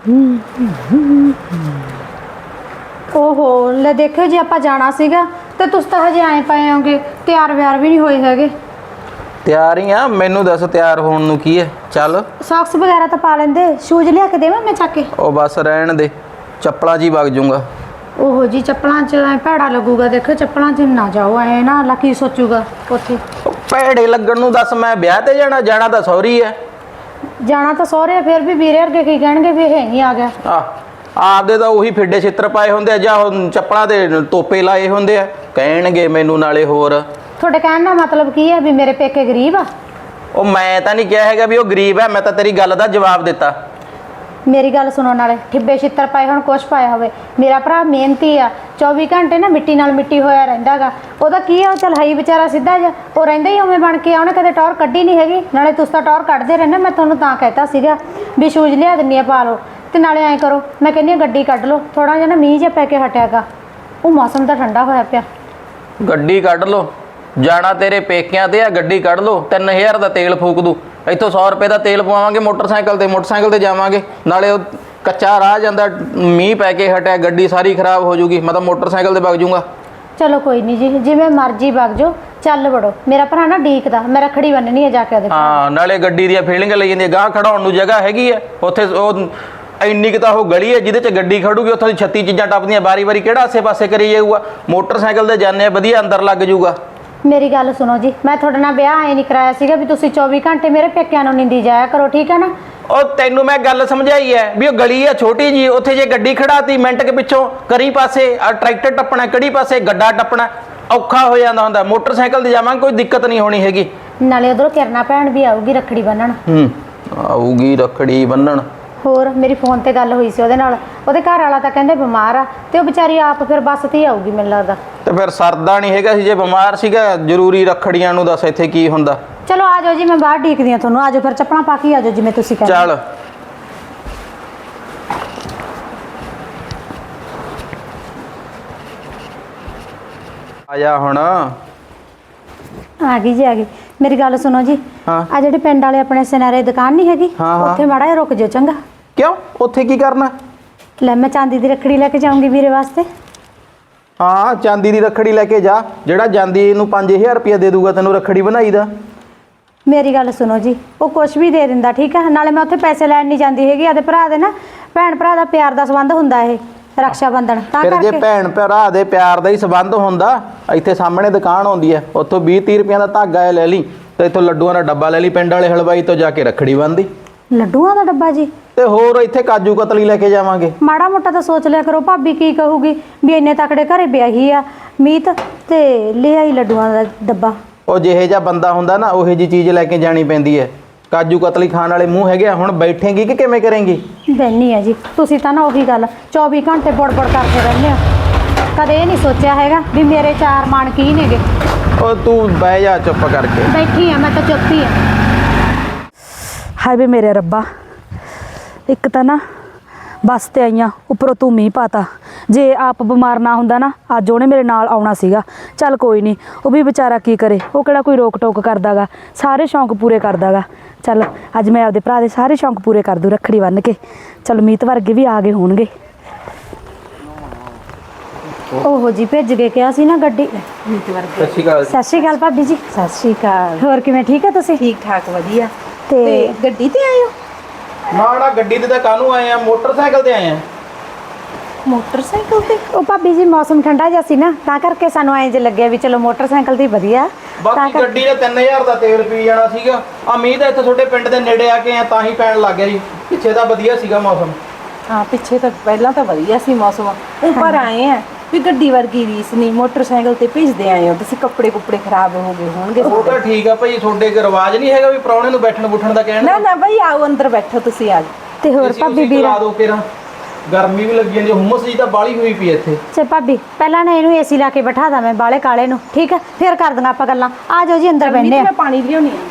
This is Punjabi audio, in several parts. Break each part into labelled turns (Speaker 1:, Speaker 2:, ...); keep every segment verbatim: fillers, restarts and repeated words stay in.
Speaker 1: ओहो ले देखो जी आप जाना सीगा ते तुस तो हजे आए पाए होंगे तैयार व्यार भी नहीं होए हैगे।
Speaker 2: ਤਿਆਰ ਹੀ ਆ ਮੈਨੂੰ ਦੱਸ ਤਿਆਰ ਹੋਣ ਨੂੰ ਕੀ ਹੈ ਚੱਲ
Speaker 1: सॉक्स वगैरह तो पा लेंदे शूज लिया के देवां मैं चक के
Speaker 2: ਉਹ ਬਸ ਰਹਿਣ ਦੇ ਚੱਪਲਾਂ 'ਚ ਹੀ ਵਗ ਜਾਊਂਗਾ।
Speaker 1: ओहो जी चप्पलों च ऐ भैड़ा लगूगा देखो चप्पलों च ना जाओ ऐ ना अगला की सोचूगा उत्थे
Speaker 2: ਉਹ ਭੈੜੇ ਲੱਗਣ ਨੂੰ ਦੱਸ ਮੈਂ ਵਿਆਹ ਤੇ ਜਾਣਾ ਜਾਣਾ ਤਾਂ ਸੌਰੀ ਹੈ।
Speaker 1: जाना तो सौरे फिर भी वीरे वर्गे की कहणगे भी है नहीं आ गया
Speaker 2: ਆ ਆਪਦੇ ਤਾਂ ਉਹੀ ਫਿੱਡੇ ਛਿੱਤਰ ਪਾਏ ਹੁੰਦੇ ਆ ਜਾਂ ਉਹ ਚੱਪਲਾਂ ਦੇ ਤੋਪੇ ਲਾਏ ਹੁੰਦੇ ਆ ਕਹਿਣਗੇ ਮੈਨੂੰ ਨਾਲੇ ਹੋਰ।
Speaker 1: थोड़े कहने का मतलब की है भी मेरे पेके गरीब आ।
Speaker 2: ਉਹ ਮੈਂ ਤਾਂ ਨਹੀਂ ਕਿਹਾ ਹੈਗਾ ਵੀ ਉਹ ਗਰੀਬ ਹੈ मैं ਤਾਂ ਤੇਰੀ ਗੱਲ ਦਾ ਜਵਾਬ ਦਿੱਤਾ।
Speaker 1: मेरी गल सुनो नाले ठिब्बे छित्तर पाए होण कुछ पाया होवे मेरा भरा मेहनती आ चौबीस घंटे ना मिट्टी नाल मिट्टी होया रहिंदा गा ओहदा की है चल हई बेचारा सीधा जा ओ रहिंदा ही उवें बन के आ उहने कदे टौर कड्डी नहीं हैगी नाले तुस तां टौर कड्डदे रहने मैं तुहानूं तां कहता सीगा भी शूज लिया दिंनी आ पा लो ते नाले ऐ करो मैं कहनी गड्डी कड्ड लो थोड़ा जिहा ना मींह जिहा पै के हटियागा ਉਹ मौसम तां ठंडा होया पिया।
Speaker 2: ਗੱਡੀ ਕੱਢ ਲੋ ਜਾਣਾ ਤੇਰੇ ਪੇਕਿਆਂ ਤੇ ਆ ਗੱਡੀ ਕੱਢ ਲੋ तीन हज़ार ਦਾ ਤੇਲ ਫੂਕ ਦੂ ਇੱਥੋਂ सौ ਰੁਪਏ ਦਾ ਤੇਲ ਪਵਾਵਾਂਗੇ ਮੋਟਰਸਾਈਕਲ ਤੇ ਮੋਟਰਸਾਈਕਲ ਤੇ ਜਾਵਾਂਗੇ ਨਾਲੇ ਉਹ ਕੱਚਾ ਰਾਹ ਜਾਂਦਾ ਮੀਂਹ ਪੈ ਕੇ ਹਟਿਆ ਗੱਡੀ ਸਾਰੀ ਖਰਾਬ ਹੋ ਜੂਗੀ ਮੈਂ ਤਾਂ ਮੋਟਰਸਾਈਕਲ ਤੇ ਵਗ ਜੂੰਗਾ।
Speaker 1: चलो कोई नहीं जी जिवें मर्जी वग जाओ चल बड़ो मेरा भरा ना ਡੀਕਦਾ मैं रखड़ी बन्ननी है जाके ਉਹਦੇ
Speaker 2: ਹਾਂ ਨਾਲੇ ਗੱਡੀ ਦੀਆਂ ਫੀਲਿੰਗ ਲਈ ਜਾਂਦੀ ਗਾਹ ਖੜਾਉਣ ਨੂੰ ਜਗ੍ਹਾ ਹੈਗੀ ਆ ਉੱਥੇ ਉਹ ਇੰਨੀ ਕਿ ਤਾਂ ਉਹ ਗਲੀ ਹੈ ਜਿਹਦੇ 'ਚ ਗੱਡੀ ਖੜੂਗੀ ਉੱਥੋਂ ਦੀ ਛੱਤੀ ਚੀਜ਼ਾਂ ਟੱਪਦੀਆਂ ਵਾਰੀ ਵਾਰੀ ਕਿਹੜਾ ਆਸੇ ਪਾਸੇ ਕਰੀ ਜਾਊਗਾ ਮੋਟਰਸਾਈਕਲ ਤੇ ਜਾਂਦੇ ਆ ਵਧੀਆ ਅੰਦਰ ਲੱਗ ਜੂਗਾ।
Speaker 1: मेरी गल सुनो जी मैं थोड़े नाल ब्याह ऐ नहीं कराया सीगा भी तुसीं चौबीस घंटे मेरे पेकिਆਂ ਨੂੰ निंदी जाया करो ठीक है ना।
Speaker 2: ਉਹ ਤੈਨੂੰ ਮੈਂ ਗੱਲ ਸਮਝਾਈ ਐ ਵੀ ਉਹ ਗਲੀ ਆ ਛੋਟੀ ਜੀ ਉੱਥੇ ਜੇ ਗੱਡੀ ਖੜਾਤੀ ਮਿੰਟ ਕੇ ਪਿੱਛੋਂ ਕਰੀ ਪਾਸੇ ਆ ਟਰੈਕਟਰ ਟੱਪਣਾ ਕਿਹੜੀ ਪਾਸੇ ਗੱਡਾ ਟੱਪਣਾ ਔਖਾ ਹੋ ਜਾਂਦਾ ਹੁੰਦਾ ਮੋਟਰਸਾਈਕਲ ਤੇ ਜਾਵਾਂਗੇ ਕੋਈ ਦਿੱਕਤ ਨਹੀਂ ਹੋਣੀ ਹੈਗੀ।
Speaker 1: ਨਾਲੇ ਉਧਰੋਂ ਕਿਰਨਾ ਭੈਣ ਵੀ ਆਊਗੀ ਰੱਖੜੀ ਬੰਨਣ।
Speaker 2: ਹੂੰ ਆਊਗੀ ਰੱਖੜੀ ਬੰਨਣ
Speaker 1: ਹੋਰ ਮੇਰੀ ਫੋਨ ਤੇ ਗੱਲ ਹੋਈ ਸੀ ਉਹਦੇ ਨਾਲ ਉਹਦੇ ਘਰ ਵਾਲਾ ਤਾਂ ਕਹਿੰਦੇ ਬਿਮਾਰ ਆ ਤੇ ਉਹ ਵਿਚਾਰੀ ਆਪ ਫਿਰ ਬੱਸ ਤੇ ਹੀ ਆਊਗੀ ਮੈਨੂੰ ਲੱਗਦਾ।
Speaker 2: ਤੇ ਫਿਰ ਸਰਦਾ ਨਹੀਂ ਹੈਗਾ ਸੀ ਜੇ ਬਿਮਾਰ ਸੀਗਾ ਜ਼ਰੂਰੀ ਰੱਖੜੀਆਂ ਨੂੰ ਦੱਸ ਇੱਥੇ ਕੀ ਹੁੰਦਾ।
Speaker 1: ਚਲੋ ਆ ਜਾਓ ਜੀ ਮੈਂ ਬਾਹਰ ਢੀਕਦੀ ਆ ਤੁਹਾਨੂੰ ਆ ਜਾਓ ਫਿਰ ਚੱਪਲਾਂ ਪਾ ਕੇ ਆ ਜਾਓ ਜਿਵੇਂ ਤੁਸੀਂ ਕਹਿੰਦੇ।
Speaker 2: ਚੱਲ ਆ ਜਾ ਹੁਣ
Speaker 1: ਆ ਗਈ ਜੀ ਆ ਗਈ ਮੇਰੀ ਗੱਲ ਸੁਣੋ ਜੀ
Speaker 2: ਹਾਂ
Speaker 1: ਆ ਜਿਹੜੇ ਪਿੰਡ ਵਾਲੇ ਆਪਣੇ ਸਿਨਾਰੇ ਦੁਕਾਨ ਨਹੀਂ ਹੈਗੀ
Speaker 2: ਹਾਂ, ਹਾਂ।
Speaker 1: ਉੱਥੇ ਮਾੜਾ ਜਿਹਾ ਰੁਕ ਜਾਓ ਚੰਗਾ।
Speaker 2: ਕਿਉਂ ਉੱਥੇ ਕੀ ਕਰਨਾ।
Speaker 1: ਲੈ ਮੈਂ ਚਾਂਦੀ ਦੀ ਰੱਖੜੀ ਲੈ ਕੇ ਜਾਊਂਗੀ ਵੀਰੇ ਵਾਸਤੇ।
Speaker 2: ਹਾਂ ਚਾਂਦੀ ਦੀ ਰੱਖੜੀ ਲੈ ਕੇ ਜਾ ਜਿਹੜਾ ਜਾਂਦੀ ਨੂੰ पाँच हज़ार ਰੁਪਇਆ ਦੇ ਦੂਗਾ ਤੈਨੂੰ ਰੱਖੜੀ ਬਣਾਈ ਦਾ।
Speaker 1: ਮੇਰੀ ਗੱਲ ਸੁਣੋ ਜੀ ਉਹ ਕੁਛ ਵੀ ਦੇ ਦਿੰਦਾ ਠੀਕ ਹੈ ਨਾਲੇ ਮੈਂ ਉੱਥੇ ਪੈਸੇ ਲੈਣ ਨਹੀਂ ਜਾਂਦੀ ਹੈਗੀ ਆਦੇ ਭਰਾ ਦੇ ਨਾ ਭੈਣ ਭਰਾ ਦਾ ਪਿਆਰ ਦਾ ਸੰਬੰਧ ਹੁੰਦਾ ਇਹ ਰਕਸ਼ਾ ਬੰਧਨ ਤਾਂ
Speaker 2: ਫਿਰ ਜੇ
Speaker 1: ਕਰਕੇ
Speaker 2: ਭੈਣ ਭਰਾ ਦੇ ਪਿਆਰ ਦਾ ਹੀ ਸੰਬੰਧ ਹੁੰਦਾ ਇੱਥੇ ਸਾਹਮਣੇ ਦੁਕਾਨ ਆਉਂਦੀ ਹੈ ਉੱਥੋਂ ਵੀਹ ਤੀਹ ਰੁਪਈਆਂ ਦਾ ਧਾਗਾ ਲੈ ਲਈ ਤੇ ਇੱਥੋਂ ਲੱਡੂਆਂ ਦਾ ਡੱਬਾ ਲੈ ਲਈ ਪਿੰਡ ਵਾਲੇ ਹਲਵਾਈ ਤੋਂ ਜਾ ਕੇ ਰੱਖੜੀ ਬੰਨ੍ਹਦੀ।
Speaker 1: ਲੱਡੂਆਂ ਦਾ ਡੱਬਾ ਜੀ
Speaker 2: ਤੇ ਹੋਰ ਇੱਥੇ ਕਾਜੂ ਕਤਲੀ ਲੈ ਕੇ ਜਾਵਾਂਗੇ।
Speaker 1: ਮਾੜਾ ਮੋਟਾ ਤਾਂ ਸੋਚ ਲਿਆ ਕਰੋ ਭਾਬੀ ਕੀ ਕਹੂਗੀ ਵੀ ਇੰਨੇ ਤਕੜੇ ਘਰੇ ਵਿਆਹੀ ਆ ਮੀਤ ਤੇ ਲੈ ਆਈ ਲੱਡੂਆਂ ਦਾ ਡੱਬਾ।
Speaker 2: ਉਹ ਜਿਹੇ ਜਿਹਾ ਬੰਦਾ ਹੁੰਦਾ ਨਾ ਉਹੇ ਜੀ ਚੀਜ਼ ਲੈ ਕੇ ਜਾਣੀ ਪੈਂਦੀ ਹੈ। ਕਾਜੂ ਕਤਲੀ ਖਾਣ ਵਾਲੇ ਮੂੰਹ ਹੈਗੇ ਹੁਣ ਬੈਠੇਂਗੀ ਕਿ ਕਿਵੇਂ ਕਰੇਂਗੀ।
Speaker 1: ਬੈਨੀ ਆ ਜੀ ਤੁਸੀਂ ਤਾਂ ਨਾ ਉਹੀ ਗੱਲ ਚੌਵੀ ਘੰਟੇ ਬੜਬੜ ਕਰਦੇ ਰਹਿੰਦੇ ਹੋ ਕਦੇ ਇਹ ਨਹੀਂ ਸੋਚਿਆ ਹੈਗਾ ਵੀ ਮੇਰੇ ਚਾਰ ਮਨ ਕੀ ਨੇਗੇ।
Speaker 2: ਉਹ ਤੂੰ ਬਹਿ ਜਾ ਚੁੱਪ ਕਰਕੇ।
Speaker 1: ਬੈਠੀ ਆ ਮੈਂ ਤਾਂ ਚੁੱਪ ਹੀ ਆ।
Speaker 3: ਹਾਏ ਵੇ ਮੇਰੇ ਰੱਬਾ ਇੱਕ ਤਾਂ ਨਾ ਬੱਸ ਤੇ ਆਈਆਂ ਉੱਪਰੋਂ ਤੂੰ ਮੀਂਹ ਪਾਤਾ ਜੇ ਆਪ ਬਿਮਾਰ ਨਾ ਹੁੰਦਾ ਨਾ ਅੱਜ ਉਹਨੇ ਮੇਰੇ ਨਾਲ ਆਉਣਾ ਸੀਗਾ। ਚੱਲ ਕੋਈ ਨਹੀਂ ਉਹ ਵੀ ਵਿਚਾਰਾ ਕੀ ਕਰੇ ਉਹ ਕਿਹੜਾ ਕੋਈ ਰੋਕ ਟੋਕ ਕਰਦਾਗਾ ਸਾਰੇ ਸ਼ੌਂਕ ਪੂਰੇ ਕਰਦਾਗਾ। ਚੱਲ ਅੱਜ ਮੈਂ ਆਪਦੇ ਭਰਾ ਦੇ ਸਾਰੇ ਸ਼ੌਂਕ ਪੂਰੇ ਕਰ ਦੂੰ ਰੱਖੜੀ ਬੰਨ੍ਹ ਕੇ। ਚੱਲ ਮੀਤ ਵਰਗੇ ਵੀ ਆ ਗਏ ਹੋਣਗੇ।
Speaker 1: ओहो जी भेज के क्या सी ना गड्डी
Speaker 2: ਸਤਿ ਸ਼੍ਰੀ ਅਕਾਲ।
Speaker 1: सत श्री अकाल भाभी जी।
Speaker 4: ਸਤਿ ਸ਼੍ਰੀ ਅਕਾਲ।
Speaker 1: होर किवें ठीक है तुसीं
Speaker 4: ਠੀਕ ਠਾਕ ਵਧੀਆ।
Speaker 1: ते
Speaker 4: ਤੇ ਗੱਡੀ ਤੇ ਆਏ ਹੋ?
Speaker 2: ਨਾ ਨਾ ਗੱਡੀ ਤੇ ਤਾਂ ਕਾਹਨੂੰ ਆਏ ਆ ਮੋਟਰਸਾਈਕਲ ਤੇ ਆਏ ਆ।
Speaker 4: ਮੋਟਰਸਾਈਕਲ ਤੇ?
Speaker 1: ओ भाभी जी मौसम ठंडा जिहा सी ना तां करके सानू ऐं जे लग्गिया भी चलो मोटरसाइकिल दी वधिया
Speaker 2: ਬਾਕੀ ਗੱਡੀ ਦੇ तीन हज़ार ਦਾ ਤੇਲ ਪੀ ਜਾਣਾ ਸੀਗਾ। ਆ ਮੀਂਹ ਤਾਂ ਇੱਥੇ ਤੁਹਾਡੇ ਪਿੰਡ ਦੇ ਨੇੜੇ ਆ ਕੇ ਆ ਤਾਂ ਹੀ ਪੈਣ ਲੱਗ ਗਿਆ ਜੀ ਪਿੱਛੇ ਤਾਂ ਵਧੀਆ ਸੀਗਾ ਮੌਸਮ।
Speaker 4: ਹਾਂ ਪਿੱਛੇ ਤਾਂ ਪਹਿਲਾਂ ਤਾਂ ਵਧੀਆ ਸੀ ਮੌਸਮ ਉੱਪਰ ਆਏ ਆ ਵੀ ਗੱਡੀ ਵਰਗੀ ਰੀਸ ਨਹੀਂ ਮੋਟਰਸਾਈਕਲ ਤੇ ਭੇਜਦੇ ਆਏ ਹੋ ਤੁਸੀਂ ਕੱਪੜੇ ਕੁੱਪੜੇ ਖਰਾਬ ਹੋ ਗਏ ਹੋਣਗੇ।
Speaker 2: ਉਹ ਤਾਂ ਠੀਕ ਆ ਭਾਈ ਤੁਹਾਡੇ ਕੋ ਰਿਵਾਜ ਨਹੀਂ ਹੈਗਾ ਵੀ ਪ੍ਰਾਹੁਣੇ ਨੂੰ ਬੈਠਣ ਬੁੱਠਣ ਦਾ ਕਹਿਣਾ।
Speaker 4: ਨਾ ਨਾ ਬਈ ਆਓ ਅੰਦਰ ਬੈਠੋ ਤੁਸੀਂ ਆ
Speaker 1: ते होर भाभी
Speaker 2: ਵੀ
Speaker 1: ਵੀਰਾ
Speaker 2: ਲਾ ਦਿਓ ਕਿਰਾਂ ਗਰਮੀ ਵੀ ਲੱਗੀ ਜਾਂਦੀ ਹੁਮਸ ਜੀ ਤਾਂ ਬਾਲੀ ਹੋਈ ਪਈ ਇੱਥੇ।
Speaker 1: चे भाभी पहला ना इनू एसी ला के बैठा दा मैं बाले काले नु ठीक है फिर कर दूंगा आपां गल्लां आ जाओ जी अंदर बैठने
Speaker 4: ਮੈਂ ਪਾਣੀ ਲਿਆਉਣੀ ਆ।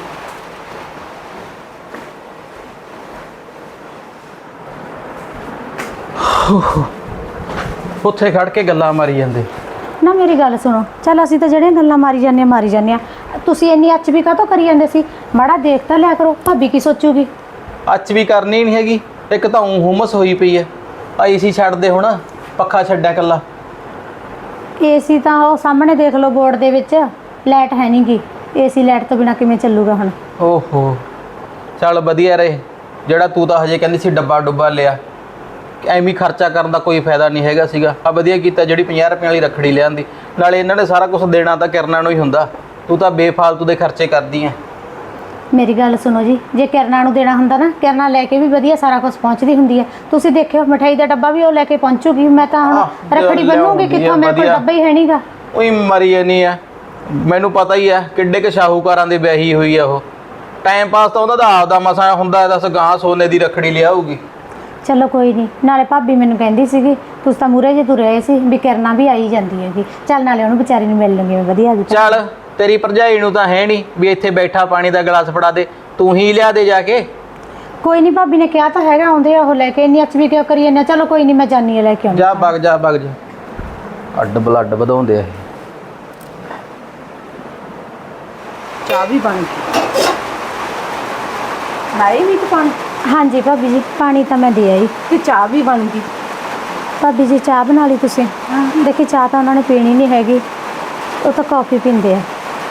Speaker 2: ਉੱਥੇ ਖੜ ਕੇ ਗੱਲਾਂ ਮਾਰੀ ਜਾਂਦੇ।
Speaker 1: ना मेरी गल सुनो चल असीं तां ਜਿਹੜੀਆਂ ਗੱਲਾਂ ਮਾਰੀ ਜਾਂਦੇ ਆ ਮਾਰੀ ਜਾਂਦੇ ਆ ਤੁਸੀਂ ਇੰਨੀ ਅੱਚ ਵੀ ਕਾਹਤੋਂ ਕਰੀ ਜਾਂਦੇ ਸੀ ਮਾੜਾ ਦੇਖ ਤਾਂ ਲਿਆ ਕਰੋ ਭਾਬੀ ਕੀ ਸੋਚੂਗੀ।
Speaker 2: ਅੱਜ ਵੀ ਕਰਨੀ ਨਹੀਂ ਹੈਗੀ ਇੱਕ ਤਾਂ ਊਂ ਹੁਮਸ ਹੋਈ ਪਈ ਐ। ਆ ਏਸੀ ਛੱਡ ਦੇ ਹੁਣ, ਪੱਖਾ ਛੱਡਿਆ ਕੱਲਾ।
Speaker 1: ਏਸੀ ਤਾਂ ਉਹ ਸਾਹਮਣੇ ਦੇਖ ਲਓ ਬੋਰਡ ਦੇ ਵਿੱਚ ਲਾਈਟ ਹੈ ਨਹੀਂ ਗੀ। ਏਸੀ ਲਾਈਟ ਤੋਂ ਬਿਨਾ ਕਿਵੇਂ ਚੱਲੂਗਾ ਹੁਣ?
Speaker 2: ਓਹੋ ਚੱਲ ਵਧੀਆ ਰਹੇ, ਜਿਹੜਾ ਤੂੰ ਤਾਂ ਹਜੇ ਕਹਿੰਦੀ ਸੀ ਡੱਬਾ ਡੁੱਬਾ ਲਿਆ। ਐਵੇਂ ਹੀ ਖਰਚਾ ਕਰਨ ਦਾ ਕੋਈ ਫਾਇਦਾ ਨਹੀਂ ਹੈਗਾ ਸੀਗਾ। ਆ ਵਧੀਆ ਕੀਤਾ ਜਿਹੜੀ ਪੰਜਾਹ ਰੁਪਏ ਵਾਲੀ ਰੱਖੜੀ ਲਿਆਂਦੀ। ਨਾਲੇ ਇਹਨਾਂ ਨੇ ਸਾਰਾ ਕੁਝ ਦੇਣਾ ਤਾਂ ਕਿਰਨਾਂ ਨੂੰ ਹੀ ਹੁੰਦਾ, ਤੂੰ ਤਾਂ ਬੇਫਾਲਤੂ ਦੇ ਖਰਚੇ ਕਰਦੀ ਐ।
Speaker 1: ਮੇਰੀ ਗੱਲ ਸੁਣੋ ਜੀ, ਜੇ ਕਿਰਨਾਂ ਨੂੰ ਦੇਣਾ ਹੁੰਦਾ ਨਾ, ਕਿਰਨਾਂ ਲੈ ਕੇ ਵੀ ਵਧੀਆ ਸਾਰਾ ਕੁਝ ਪਹੁੰਚਦੀ ਹੁੰਦੀ ਹੈ। ਤੁਸੀਂ ਦੇਖਿਓ ਮਠਾਈ ਦਾ ਡੱਬਾ ਵੀ ਉਹ ਲੈ ਕੇ ਪਹੁੰਚੂਗੀ। ਮੈਂ ਤਾਂ ਹੁਣ
Speaker 2: ਆਹ,
Speaker 1: ਰੱਖੜੀ ਬੰਨੂਗੀ
Speaker 2: ਲਿਆਉਂਦੀ
Speaker 1: ਕਿੱਥੋਂ?
Speaker 2: ਆ
Speaker 1: ਮੇਰੇ ਕੋਲ
Speaker 2: ਵਧੀਆ।
Speaker 1: ਡੱਬਾ ਹੀ ਹੈ ਨਹੀਂਗਾ।
Speaker 2: ਉਹੀ ਮਰੀ ਜਾਨੀ ਆ, ਮੈਨੂੰ ਪਤਾ ਹੀ ਆ ਕਿੱਡੇ ਕੁ ਸ਼ਾਹੂਕਾਰਾਂ ਦੀ ਵਿਆਹੀ ਹੋਈ ਆ ਉਹ। ਟਾਈਮ ਪਾਸ ਤਾਂ ਉਹਨਾਂ ਦਾ ਆਪਦਾ ਮਸਾ ਹੁੰਦਾ, ਦੱਸ ਗਾਂ ਸੋਨੇ ਦੀ ਰੱਖੜੀ ਲਿਆਊਗੀ।
Speaker 1: ਚਲੋ ਕੋਈ ਨਹੀਂ। ਨਾਲੇ ਭਾਬੀ ਮੈਨੂੰ ਕਹਿੰਦੀ ਸੀਗੀ ਤੁਸੀਂ ਤਾਂ ਮੂਰੇ ਜੇ ਤੁਰੇ ਆਏ ਸੀ ਵੀ ਕਿਰਨਾਂ ਵੀ ਆਈ ਜਾਂਦੀ ਹੈਗੀ। ਚੱਲ ਨਾਲੇ ਉਹਨੂੰ ਵਿਚਾਰੀ ਨੂੰ ਮਿਲ ਲਵਾਂਗੇ ਵਧੀਆ ਜੀ।
Speaker 2: ਚੱਲ ਤੇਰੀ ਭਰਜਾਈ ਨੂੰ ਤਾਂ ਹੈ ਨਹੀਂ ਵੀ ਇੱਥੇ ਬੈਠਾ ਪਾਣੀ ਦਾ ਗਲਾਸ ਫੜਾ ਦੇ, ਤੂੰ ਹੀ ਲਿਆ ਦੇ ਜਾ ਕੇ।
Speaker 1: ਕੋਈ ਨਹੀਂ, ਭਾਬੀ ਨੇ ਕਿਹਾ ਤਾਂ ਹੈਗਾ ਆਉਂਦੇ ਆ ਉਹ ਲੈ ਕੇ। ਇੰਨੀ ਅੱਛ ਵੀ ਕਿਉਂ ਕਰੀ ਜਾਂਦੇ? ਚਲੋ ਕੋਈ ਨਹੀਂ, ਮੈਂ ਜਾਨੀ ਆ ਲੈ ਕੇ ਆਉਂਦੀ।
Speaker 2: ਜਾ ਵਗ ਜਾ ਵਗ ਜਾ, ਅੱਡ ਬਲੱਡ ਵਧਾਉਂਦੇ ਆ ਇਹ।
Speaker 4: ਚਾਹ ਵੀ ਬਣ ਗਈ। ਨਾਈ ਵੀ ਤਾਂ ਪਾਣੀ
Speaker 1: ਹਾਂਜੀ ਭਾਬੀ ਜੀ, ਪਾਣੀ ਤਾਂ ਮੈਂ ਦੇ ਆਈ।
Speaker 4: ਤੇ ਚਾਹ ਵੀ ਬਣ ਗਈ।
Speaker 1: ਭਾਬੀ ਜੀ ਚਾਹ ਬਣਾ ਲਈ ਤੁਸੀਂ? ਦੇਖੀ ਚਾਹ ਤਾਂ ਉਹਨਾਂ ਨੇ ਪੀਣੀ ਨਹੀਂ ਹੈਗੀ, ਉਹ ਤਾਂ ਕੌਫੀ ਪੀਂਦੇ ਆ।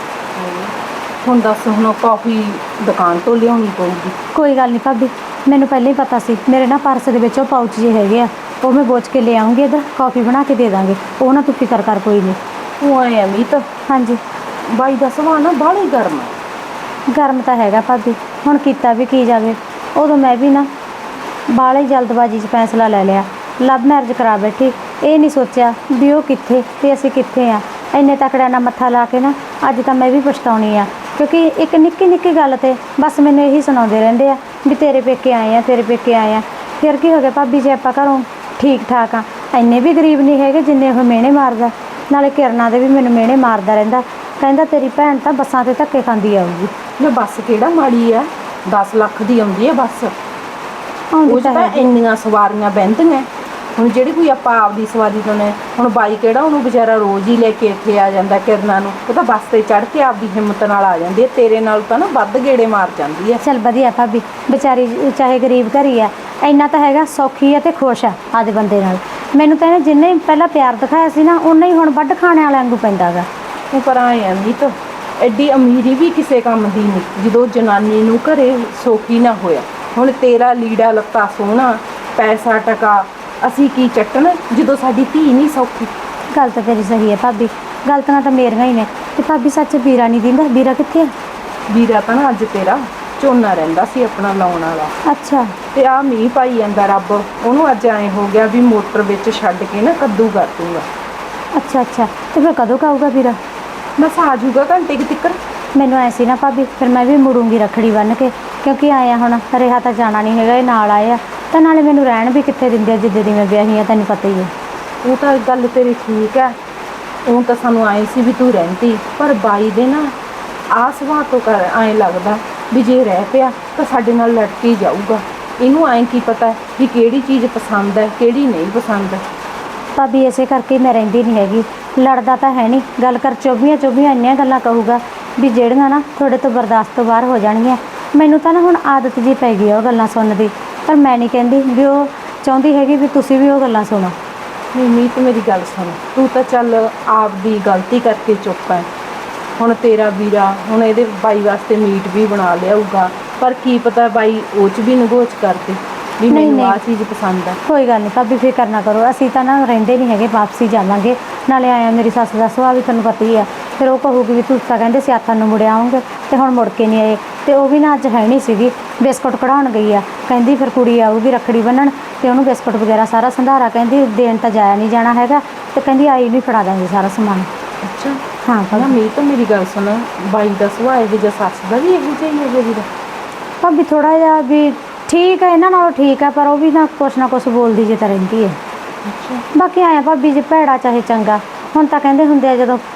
Speaker 4: ਹੁਣ ਦੱਸ, ਹੁਣ ਕਾਫੀ ਦੁਕਾਨ ਤੋਂ ਲਿਆਉਣੀ ਪਊਗੀ।
Speaker 1: ਕੋਈ ਗੱਲ ਨਹੀਂ ਭਾਬੀ, ਮੈਨੂੰ ਪਹਿਲਾਂ ਹੀ ਪਤਾ ਸੀ। ਮੇਰੇ ਨਾ ਪਰਸ ਦੇ ਵਿੱਚ ਉਹ ਪਾਊਚ ਜਿਹੇ ਹੈਗੇ ਆ, ਉਹ ਮੈਂ ਬੋਚ ਕੇ ਲੈ ਆਉਂਗੀ। ਇੱਧਰ ਕੌਫੀ ਬਣਾ ਕੇ ਦੇ ਦਾਂਗੇ, ਉਹ ਨਾ ਤੂੰ ਫਿਕਰ ਕਰ ਕੋਈ ਨਹੀਂ।
Speaker 4: ਤੂੰ ਆਏ ਆ ਮੀਤ,
Speaker 1: ਹਾਂਜੀ
Speaker 4: ਬਾਈ ਦਾ ਸੁਭਾਅ ਨਾ ਬਾਹਲੀ ਗਰਮ ਹੈ।
Speaker 1: ਗਰਮ ਤਾਂ ਹੈਗਾ ਭਾਬੀ, ਹੁਣ ਕੀਤਾ ਵੀ ਕੀ ਜਾਵੇ। ਉਦੋਂ ਮੈਂ ਵੀ ਨਾ ਬਾਹਲੇ ਹੀ ਜਲਦਬਾਜ਼ੀ 'ਚ ਫੈਸਲਾ ਲੈ ਲਿਆ, ਲਵ ਮੈਰਿਜ ਕਰਾ ਬੈਠੀ। ਇਹ ਨਹੀਂ ਸੋਚਿਆ ਵੀ ਉਹ ਕਿੱਥੇ ਤੇ ਅਸੀਂ ਕਿੱਥੇ ਆ। ਇੰਨੇ ਤਕੜਿਆਂ ਨਾਲ ਮੱਥਾ ਲਾ ਕੇ ਨਾ ਅੱਜ ਤਾਂ ਮੈਂ ਵੀ ਪਛਤਾਉਣੀ ਆ, ਕਿਉਂਕਿ ਇੱਕ ਨਿੱਕੀ ਨਿੱਕੀ ਗੱਲ ਤੇ ਬਸ ਮੈਨੂੰ ਇਹੀ ਸੁਣਾਉਂਦੇ ਰਹਿੰਦੇ ਆ ਵੀ ਤੇਰੇ ਪੇਕੇ ਆਏ ਆ, ਤੇਰੇ ਪੇਕੇ ਆਏ ਆ। ਫਿਰ ਕੀ ਹੋ ਗਿਆ ਭਾਬੀ, ਜੇ ਆਪਾਂ ਘਰੋਂ ਠੀਕ ਠਾਕ ਆ, ਇੰਨੇ ਵੀ ਗਰੀਬ ਨਹੀਂ ਹੈਗੇ ਜਿੰਨੇ ਉਹ ਮਿਹਣੇ ਮਾਰਦਾ। ਨਾਲੇ ਕਿਰਨਾਂ ਦੇ ਵੀ ਮੈਨੂੰ ਮਿਹਣੇ ਮਾਰਦਾ ਰਹਿੰਦਾ, ਕਹਿੰਦਾ ਤੇਰੀ ਭੈਣ ਤਾਂ ਬੱਸਾਂ 'ਤੇ ਧੱਕੇ ਖਾਂਦੀ ਆਊਗੀ।
Speaker 4: ਮੈਂ ਬੱਸ ਕਿਹੜਾ ਮਾੜੀ ਆ, ਦਸ ਲੱਖ ਦੀ ਆਉਂਦੀ ਹੈ ਬੱਸ।
Speaker 1: ਆਉਂਦੀ
Speaker 4: ਉਹ 'ਚ
Speaker 1: ਤਾਂ
Speaker 4: ਤਾਂ
Speaker 1: ਹੈਗੀ।
Speaker 4: ਇੰਨੀਆਂ ਸਵਾਰੀਆਂ ਬਹਿੰਦੀਆਂ। ਹੁਣ ਜਿਹੜੀ ਕੋਈ ਆਪਾਂ ਆਪਦੀ ਸਵਾਰੀ ਤੋਂ ਨੇ, ਹੁਣ ਬਾਈ ਕਿਹੜਾ ਉਹਨੂੰ ਵਿਚਾਰਾ ਰੋਜ਼ ਹੀ ਲੈ ਕੇ ਇੱਥੇ ਆ ਜਾਂਦਾ ਕਿਰਨਾਂ ਨੂੰ। ਉਹ ਤਾਂ ਬੱਸ ਤੇ ਚੜ੍ਹ ਕੇ ਆਪਦੀ ਹਿੰਮਤ ਨਾਲ ਆ ਜਾਂਦੀ ਹੈ, ਤੇਰੇ ਨਾਲ ਤਾਂ ਨਾ ਵੱਧ ਗੇੜੇ ਮਾਰ ਜਾਂਦੀ ਹੈ।
Speaker 1: ਚੱਲ ਵਧੀਆ ਭਾਬੀ, ਵਿਚਾਰੀ ਚਾਹੇ ਗਰੀਬ ਘਰੀ ਆ, ਇੰਨਾ ਤਾਂ ਹੈਗਾ ਸੌਖੀ ਆ ਤੇ ਖੁਸ਼ ਆ ਆਦੇ ਬੰਦੇ ਨਾਲ। ਮੈਨੂੰ ਤਾਂ ਇਹਨੇ ਜਿੰਨੇ ਹੀ ਪਹਿਲਾਂ ਪਿਆਰ ਦਿਖਾਇਆ ਸੀ ਨਾ, ਉਨਾ ਹੀ ਹੁਣ ਵੱਢ ਖਾਣੇ ਵਾਲਿਆਂ ਵਾਂਗੂ ਪੈਂਦਾ ਗਾ।
Speaker 4: ਤੂੰ ਪਰ ਆਏ ਆ ਮੀਤ, ਐਡੀ ਅਮੀਰੀ ਵੀ ਕਿਸੇ ਕੰਮ ਦੀ ਨਹੀਂ ਜਦੋਂ ਜਨਾਨੀ ਨੂੰ ਘਰੇ ਸੌਖੀ ਨਾ ਹੋਇਆ। ਹੁਣ ਤੇਰਾ ਲੀੜਾ ਲੱਤਾ ਸੋਹਣਾ, ਪੈਸਾ ਟਕਾ, ਅਸੀਂ ਕੀ ਚੱਟਣ ਜਦੋਂ ਸਾਡੀ ਧੀ ਨਹੀਂ ਸੌਖੀ।
Speaker 1: ਗੱਲ ਤਾਂ ਤੇਰੀ ਸਹੀ ਹੈ ਭਾਬੀ, ਗਲਤੀਆਂ ਤਾਂ ਮੇਰੀਆਂ ਹੀ ਨੇ। ਤੇ ਭਾਬੀ ਸੱਚ ਵੀਰਾ ਨਹੀਂ ਦਿੰਦਾ? ਵੀਰਾ ਕਿੱਥੇ ਆ?
Speaker 4: ਵੀਰਾ ਤਾਂ ਨਾ ਅੱਜ ਤੇਰਾ ਝੋਨਾ ਰਹਿੰਦਾ ਸੀ ਆਪਣਾ ਲਾਉਣ ਵਾਲਾ,
Speaker 1: ਅੱਛਾ
Speaker 4: ਤੇ ਆ ਮੀਂਹ ਪਾਈ ਜਾਂਦਾ ਰੱਬ, ਉਹਨੂੰ ਅੱਜ ਐਂ ਹੋ ਗਿਆ ਵੀ ਮੋਟਰ ਵਿੱਚ ਛੱਡ ਕੇ ਨਾ ਕੱਦੂ ਕਰ ਦੂੰਗਾ।
Speaker 1: ਅੱਛਾ ਅੱਛਾ, ਤੇ ਫਿਰ ਕਦੋਂ ਕੁ ਆਊਗਾ ਵੀਰਾ?
Speaker 4: ਬਸ ਆ ਜਾਊਗਾ ਘੰਟੇ ਕੁ ਤੱਕ।
Speaker 1: ਮੈਨੂੰ ਐ ਸੀ ਨਾ ਭਾਬੀ, ਫਿਰ ਮੈਂ ਵੀ ਮੁੜੂੰਗੀ ਰੱਖੜੀ ਬੰਨ੍ਹ ਕੇ, ਕਿਉਂਕਿ ਆਇਆ ਹੁਣ ਰਿਹਾ ਤਾਂ ਜਾਣਾ ਨਹੀਂ ਹੈਗਾ, ਇਹ ਨਾਲ ਆਏ ਆ। ਤਾਂ ਨਾਲੇ ਮੈਨੂੰ ਰਹਿਣ ਵੀ ਕਿੱਥੇ ਦਿੰਦੇ ਆ ਜਿੱਦੇ ਦੀ ਮੈਂ ਵਿਆਹੀ ਆ, ਤੈਨੂੰ ਪਤਾ ਹੀ ਹੈ।
Speaker 4: ਉਹ ਤਾਂ ਗੱਲ ਤੇਰੀ ਠੀਕ ਹੈ, ਉਹ ਤਾਂ ਸਾਨੂੰ ਆਏ ਸੀ ਵੀ ਤੂੰ ਰਹਿੰਦੀ, ਪਰ ਬਾਈ ਦੇ ਨਾ ਆਹ ਸੁਭਾਅ ਤੋਂ ਕਰ ਐਂ ਲੱਗਦਾ ਵੀ ਜੇ ਰਹਿ ਪਿਆ ਤਾਂ ਸਾਡੇ ਨਾਲ ਲੜ ਕੇ ਜਾਊਗਾ। ਇਹਨੂੰ ਐਂ ਕੀ ਪਤਾ ਵੀ ਕਿਹੜੀ ਚੀਜ਼ ਪਸੰਦ ਹੈ ਕਿਹੜੀ ਨਹੀਂ ਪਸੰਦ।
Speaker 1: ਭਾਬੀ ਇਸੇ ਕਰਕੇ ਮੈਂ ਰਹਿੰਦੀ ਨਹੀਂ ਹੈਗੀ। ਲੜਦਾ ਤਾਂ ਹੈ ਨਹੀਂ, ਗੱਲ ਕਰ ਚੌਬੀਆਂ ਚੌਬੀਆਂ ਇੰਨੀਆਂ ਗੱਲਾਂ ਕਹੂਗਾ ਵੀ ਜਿਹੜੀਆਂ ਨਾ ਤੁਹਾਡੇ ਤੋਂ ਬਰਦਾਸ਼ਤ ਤੋਂ ਬਾਹਰ ਹੋ ਜਾਣਗੀਆਂ। ਮੈਨੂੰ ਤਾਂ ਨਾ ਹੁਣ ਆਦਤ ਜੀ ਪੈ ਗਈ ਆ ਉਹ ਗੱਲਾਂ ਸੁਣਨ ਦੀ, ਪਰ ਮੈਂ ਨਹੀਂ ਕਹਿੰਦੀ ਵੀ ਉਹ ਚਾਹੁੰਦੀ ਹੈਗੀ ਵੀ ਤੁਸੀਂ ਵੀ ਉਹ ਗੱਲਾਂ ਸੁਣੋ।
Speaker 4: ਨਹੀਂ ਮੀਤ ਮੇਰੀ ਗੱਲ ਸੁਣ, ਤੂੰ ਤਾਂ ਚੱਲ ਆਪਦੀ ਗਲਤੀ ਕਰਕੇ ਚੁੱਪ ਹੈ। ਹੁਣ ਤੇਰਾ ਵੀਰਾ ਹੁਣ ਇਹਦੇ ਬਾਈ ਵਾਸਤੇ ਮੀਟ ਵੀ ਬਣਾ ਲਿਆਊਗਾ, ਪਰ ਕੀ ਪਤਾ ਬਾਈ ਉਹ 'ਚ ਵੀ ਨਗੋਚ ਕਰਦੇ ਵੀ
Speaker 1: ਨਹੀਂ,
Speaker 4: ਮੈਨੂੰ ਆਹ
Speaker 1: ਨਹੀਂ।
Speaker 4: ਚੀਜ਼ ਪਸੰਦ ਹੈ।
Speaker 1: ਕੋਈ ਗੱਲ ਨਹੀਂ ਭਾਬੀ, ਫਿਕਰ ਨਾ ਕਰੋ, ਅਸੀਂ ਤਾਂ ਨਾ ਰਹਿੰਦੇ ਨਹੀਂ ਹੈਗੇ, ਵਾਪਸੀ ਜਾਵਾਂਗੇ। ਨਾਲੇ ਆਇਆ ਮੇਰੀ ਸੱਸ ਦਾ ਸੁਭਾਅ ਵੀ ਤੁਹਾਨੂੰ ਪਤਾ ਹੀ ਆ, ਫਿਰ ਉਹ ਕਹੂਗੀ ਵੀ ਤੁਸੀਂ ਤਾਂ ਕਹਿੰਦੇ ਸੀ ਆਥਣ ਨੂੰ ਮੁੜ ਆਉਂਗੇ ਤੇ ਹੁਣ ਮੁੜ ਕੇ ਨਹੀਂ ਆਏ। ਤੇ ਉਹ ਵੀ ਨਾ ਅੱਜ ਹੈ ਨਹੀਂ ਸੀਗੀ, ਬਿਸਕੁਟ ਕਢਾਉਣ ਗਈ ਆ, ਕਹਿੰਦੀ ਫਿਰ ਕੁੜੀ ਆਊਗੀ ਰੱਖੜੀ ਬੰਨਣ ਤੇ ਉਹਨੂੰ ਬਿਸਕੁਟ ਵਗੈਰਾ ਸਾਰਾ ਸੰਧਾਰਾ ਕਹਿੰਦੀ ਦੇਣ ਤਾਂ ਜਾਇਆ ਨਹੀਂ ਜਾਣਾ ਹੈਗਾ, ਤੇ ਕਹਿੰਦੀ ਆਈ ਨਹੀਂ ਫੜਾ ਦਾਂਗੇ ਸਾਰਾ ਸਮਾਨ।
Speaker 4: ਅੱਛਾ
Speaker 1: ਹਾਂ
Speaker 4: ਨਾ
Speaker 1: ਭਾਬੀ।
Speaker 4: ਮੀਤ ਮੇਰੀ ਗੱਲ ਸੁਣ, ਬਾਈ ਦਾ ਸੁਭਾਅ ਇਹੋ ਜਿਹਾ, ਸੱਸ ਦਾ ਵੀ ਇਹੋ ਜਿਹਾ ਹੀ ਹੈ ਵੀਰਾ।
Speaker 1: ਭਾਬੀ ਥੋੜਾ ਜਿਹਾ ਵੀ ਠੀਕ ਹੈ, ਇਹਨਾਂ ਨਾਲੋਂ ਠੀਕ ਹੈ, ਪਰ ਉਹ ਵੀ ਨਾ ਕੁਛ ਨਾ ਕੁਛ ਬੋਲਦੀ ਜੇ ਤਾਂ ਰਹਿੰਦੀ ਹੈ।
Speaker 4: ਅੱਛਾ
Speaker 1: ਬਾਕੀ ਆਇਆ ਭਾਬੀ ਜੇ ਭੈੜਾ ਚਾਹੇ ਚੰਗਾ, ਹੁਣ ਤਾਂ ਕਹਿੰਦੇ ਹੁੰਦੇ ਆ ਜਦੋਂ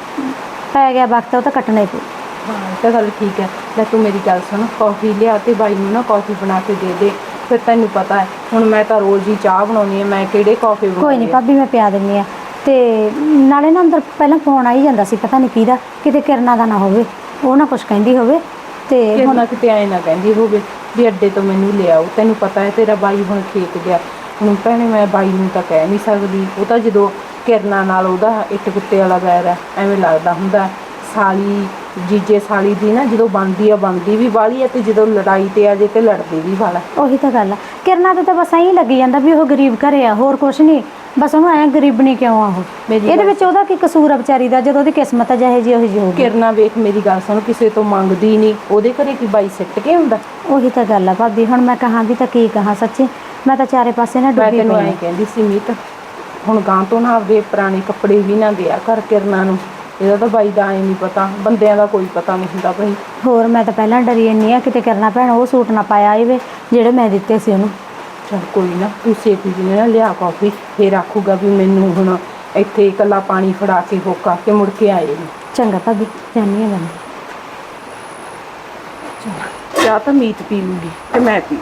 Speaker 1: ਪੈ ਗਿਆ ਵਕਤ ਉਹ ਤਾਂ ਕੱਟਣਾ ਹੀ ਪਊ।
Speaker 4: ਹਾਂ ਇਹ ਤਾਂ ਗੱਲ ਠੀਕ ਹੈ। ਲੈ ਤੂੰ ਮੇਰੀ ਗੱਲ ਸੁਣ, ਕੌਫੀ ਲਿਆ ਤੇ ਬਾਈ ਨੂੰ ਨਾ ਕੌਫੀ ਬਣਾ ਕੇ ਦੇ ਦੇ। ਫਿਰ ਤੈਨੂੰ ਪਤਾ ਹੈ ਹੁਣ ਮੈਂ ਤਾਂ ਰੋਜ਼ ਹੀ ਚਾਹ ਬਣਾਉਣੀ ਹੈ, ਮੈਂ ਕਿਹੜੇ ਕੌਫੀ ਬਣਾਉਣੀ
Speaker 1: ਕੋਈ ਨਹੀਂ ਭਾਬੀ, ਮੈਂ ਪਿਆ ਦਿੰਦੀ ਆ। ਤੇ ਨਾਲੇ ਨਾ ਅੰਦਰ ਪਹਿਲਾਂ ਫੋਨ ਆਈ ਜਾਂਦਾ ਸੀ, ਪਤਾ ਨਹੀਂ ਕਿਹਦਾ, ਕਿਤੇ ਕਿਰਨਾਂ ਦਾ ਨਾ ਹੋਵੇ, ਉਹ ਨਾ ਕੁਛ ਕਹਿੰਦੀ ਹੋਵੇ। ਤੇ
Speaker 4: ਕਿਰਨਾ ਕਿਤੇ ਐ ਨਾ ਕਹਿੰਦੀ ਹੋਵੇ ਵੀ ਅੱਡੇ ਤੋਂ ਮੈਨੂੰ ਲਿਆਓ, ਤੈਨੂੰ ਪਤਾ ਹੈ ਤੇਰਾ ਬਾਈ ਹੁਣ ਖੇਤ ਗਿਆ। ਹੁਣ ਭੈਣੇ ਮੈਂ ਬਾਈ ਨੂੰ ਤਾਂ ਕਹਿ ਨਹੀਂ ਸਕਦੀ, ਉਹ ਤਾਂ ਜਦੋਂ ਕਿਰਨਾ ਨਾਲ ਉਹਦਾ ਇੱਟ ਕੁੱਤੇ ਵਾਲਾ ਵੈਰ ਹੈ, ਐਵੇਂ ਲੱਗਦਾ ਹੁੰਦਾ ਸਾਲੀ ਜੀਜੇ ਸਾਲੀ ਦੀ ਨਾ ਜਦੋਂ ਬਣਦੀ ਆ ਬਣਦੀ ਵੀ ਵਾਲੀ ਹੈ, ਤੇ ਜਦੋਂ ਲੜਾਈ ਤੇ ਆ ਜੇ ਤੇ ਲੜਦੀ ਵੀ ਵਾਲਾ।
Speaker 1: ਉਹੀ ਤਾਂ ਗੱਲ ਆ, ਕਿਰਨਾ ਤੇ ਤਾਂ ਬਸ ਐਂ ਲੱਗੀ ਜਾਂਦਾ ਵੀ ਉਹ ਗਰੀਬ ਘਰੇ ਆ, ਹੋਰ ਕੁਛ ਨਹੀਂ, ਬਸ ਉਹਨੂੰ ਐਂ ਗਰੀਬਣੀ ਕਿਉਂ ਆ ਉਹ। ਇਹਦੇ ਵਿੱਚ ਉਹਦਾ ਕੀ ਕਸੂਰ ਆ ਵਿਚਾਰੀ ਦਾ, ਜਦੋਂ ਉਹਦੀ ਕਿਸਮਤ ਆ ਜਿਹੇ ਜੀ ਉਹੀ ਜਿਹੀ ਹੋਊਗੀ।
Speaker 4: ਕਿਰਨਾ ਵੇਖ ਮੇਰੀ ਗੱਲ ਸੁਣ, ਕਿਸੇ ਤੋਂ ਮੰਗਦੀ ਨਹੀਂ, ਉਹਦੇ ਘਰੇ ਕੀ ਬਾਈ ਸਿੱਟ ਕੇ ਹੁੰਦਾ।
Speaker 1: ਉਹੀ ਤਾਂ ਗੱਲ ਆ ਭਾਬੀ, ਹੁਣ ਮੈਂ ਕਹਾਂ ਵੀ ਤਾਂ ਕੀ ਕਹਾਂ, ਸੱਚੀ ਮੈਂ ਤਾਂ ਚਾਰੇ ਪਾਸੇ ਨਾ
Speaker 4: ਮੈਂ
Speaker 1: ਡੁੱਬੀ
Speaker 4: ਤੈਨੂੰ
Speaker 1: ਪਈ
Speaker 4: ਐਂ
Speaker 1: ਆ।
Speaker 4: ਕਹਿੰਦੀ ਸੀ ਮੀਤ, ਹੁਣ ਗਾਂ ਤੋਂ ਨਾ ਆਪਦੇ ਪੁਰਾਣੇ ਕੱਪੜੇ ਵੀ ਨਾ ਦਿਆ ਕਰ ਕਿਰਨਾ ਨੂੰ, ਇਹਦਾ ਤਾਂ ਬਾਈ ਦਾ ਐਂ ਨਹੀਂ ਪਤਾ, ਬੰਦਿਆਂ ਦਾ ਕੋਈ ਪਤਾ ਨਹੀਂ ਹੁੰਦਾ ਭਾਈ।
Speaker 1: ਹੋਰ ਮੈਂ ਤਾਂ ਪਹਿਲਾਂ ਡਰੀ ਇੰਨੀ ਆ ਕਿਤੇ ਕਰਨਾ ਭੈਣ ਉਹ ਸੂਟ ਨਾ ਪਾਇਆ ਆਵੇ ਜਿਹੜੇ ਮੈਂ ਦਿੱਤੇ ਸੀ ਉਹਨੂੰ।
Speaker 4: ਚਲ ਕੋਈ ਨਾ, ਤੂੰ ਛੇਤੀ ਜੀ ਨਾ ਲਿਆ ਕਾਫੀ, ਫੇਰ ਆਖੂਗਾ ਵੀ ਮੈਨੂੰ ਹੁਣ ਇੱਥੇ ਇਕੱਲਾ ਪਾਣੀ ਫੜਾ ਕੇ ਹੋਕਾ ਕੇ ਮੁੜ ਕੇ ਆਏ ਨਹੀਂ।
Speaker 1: ਚੰਗਾ ਭਾਬੀ, ਜਾਨੀ ਆ ਮੈਂ।
Speaker 4: ਚਾਹ ਤਾਂ ਮੀਤ ਪੀ ਲੂਗੀ ਤੇ ਮੈਂ ਪੀ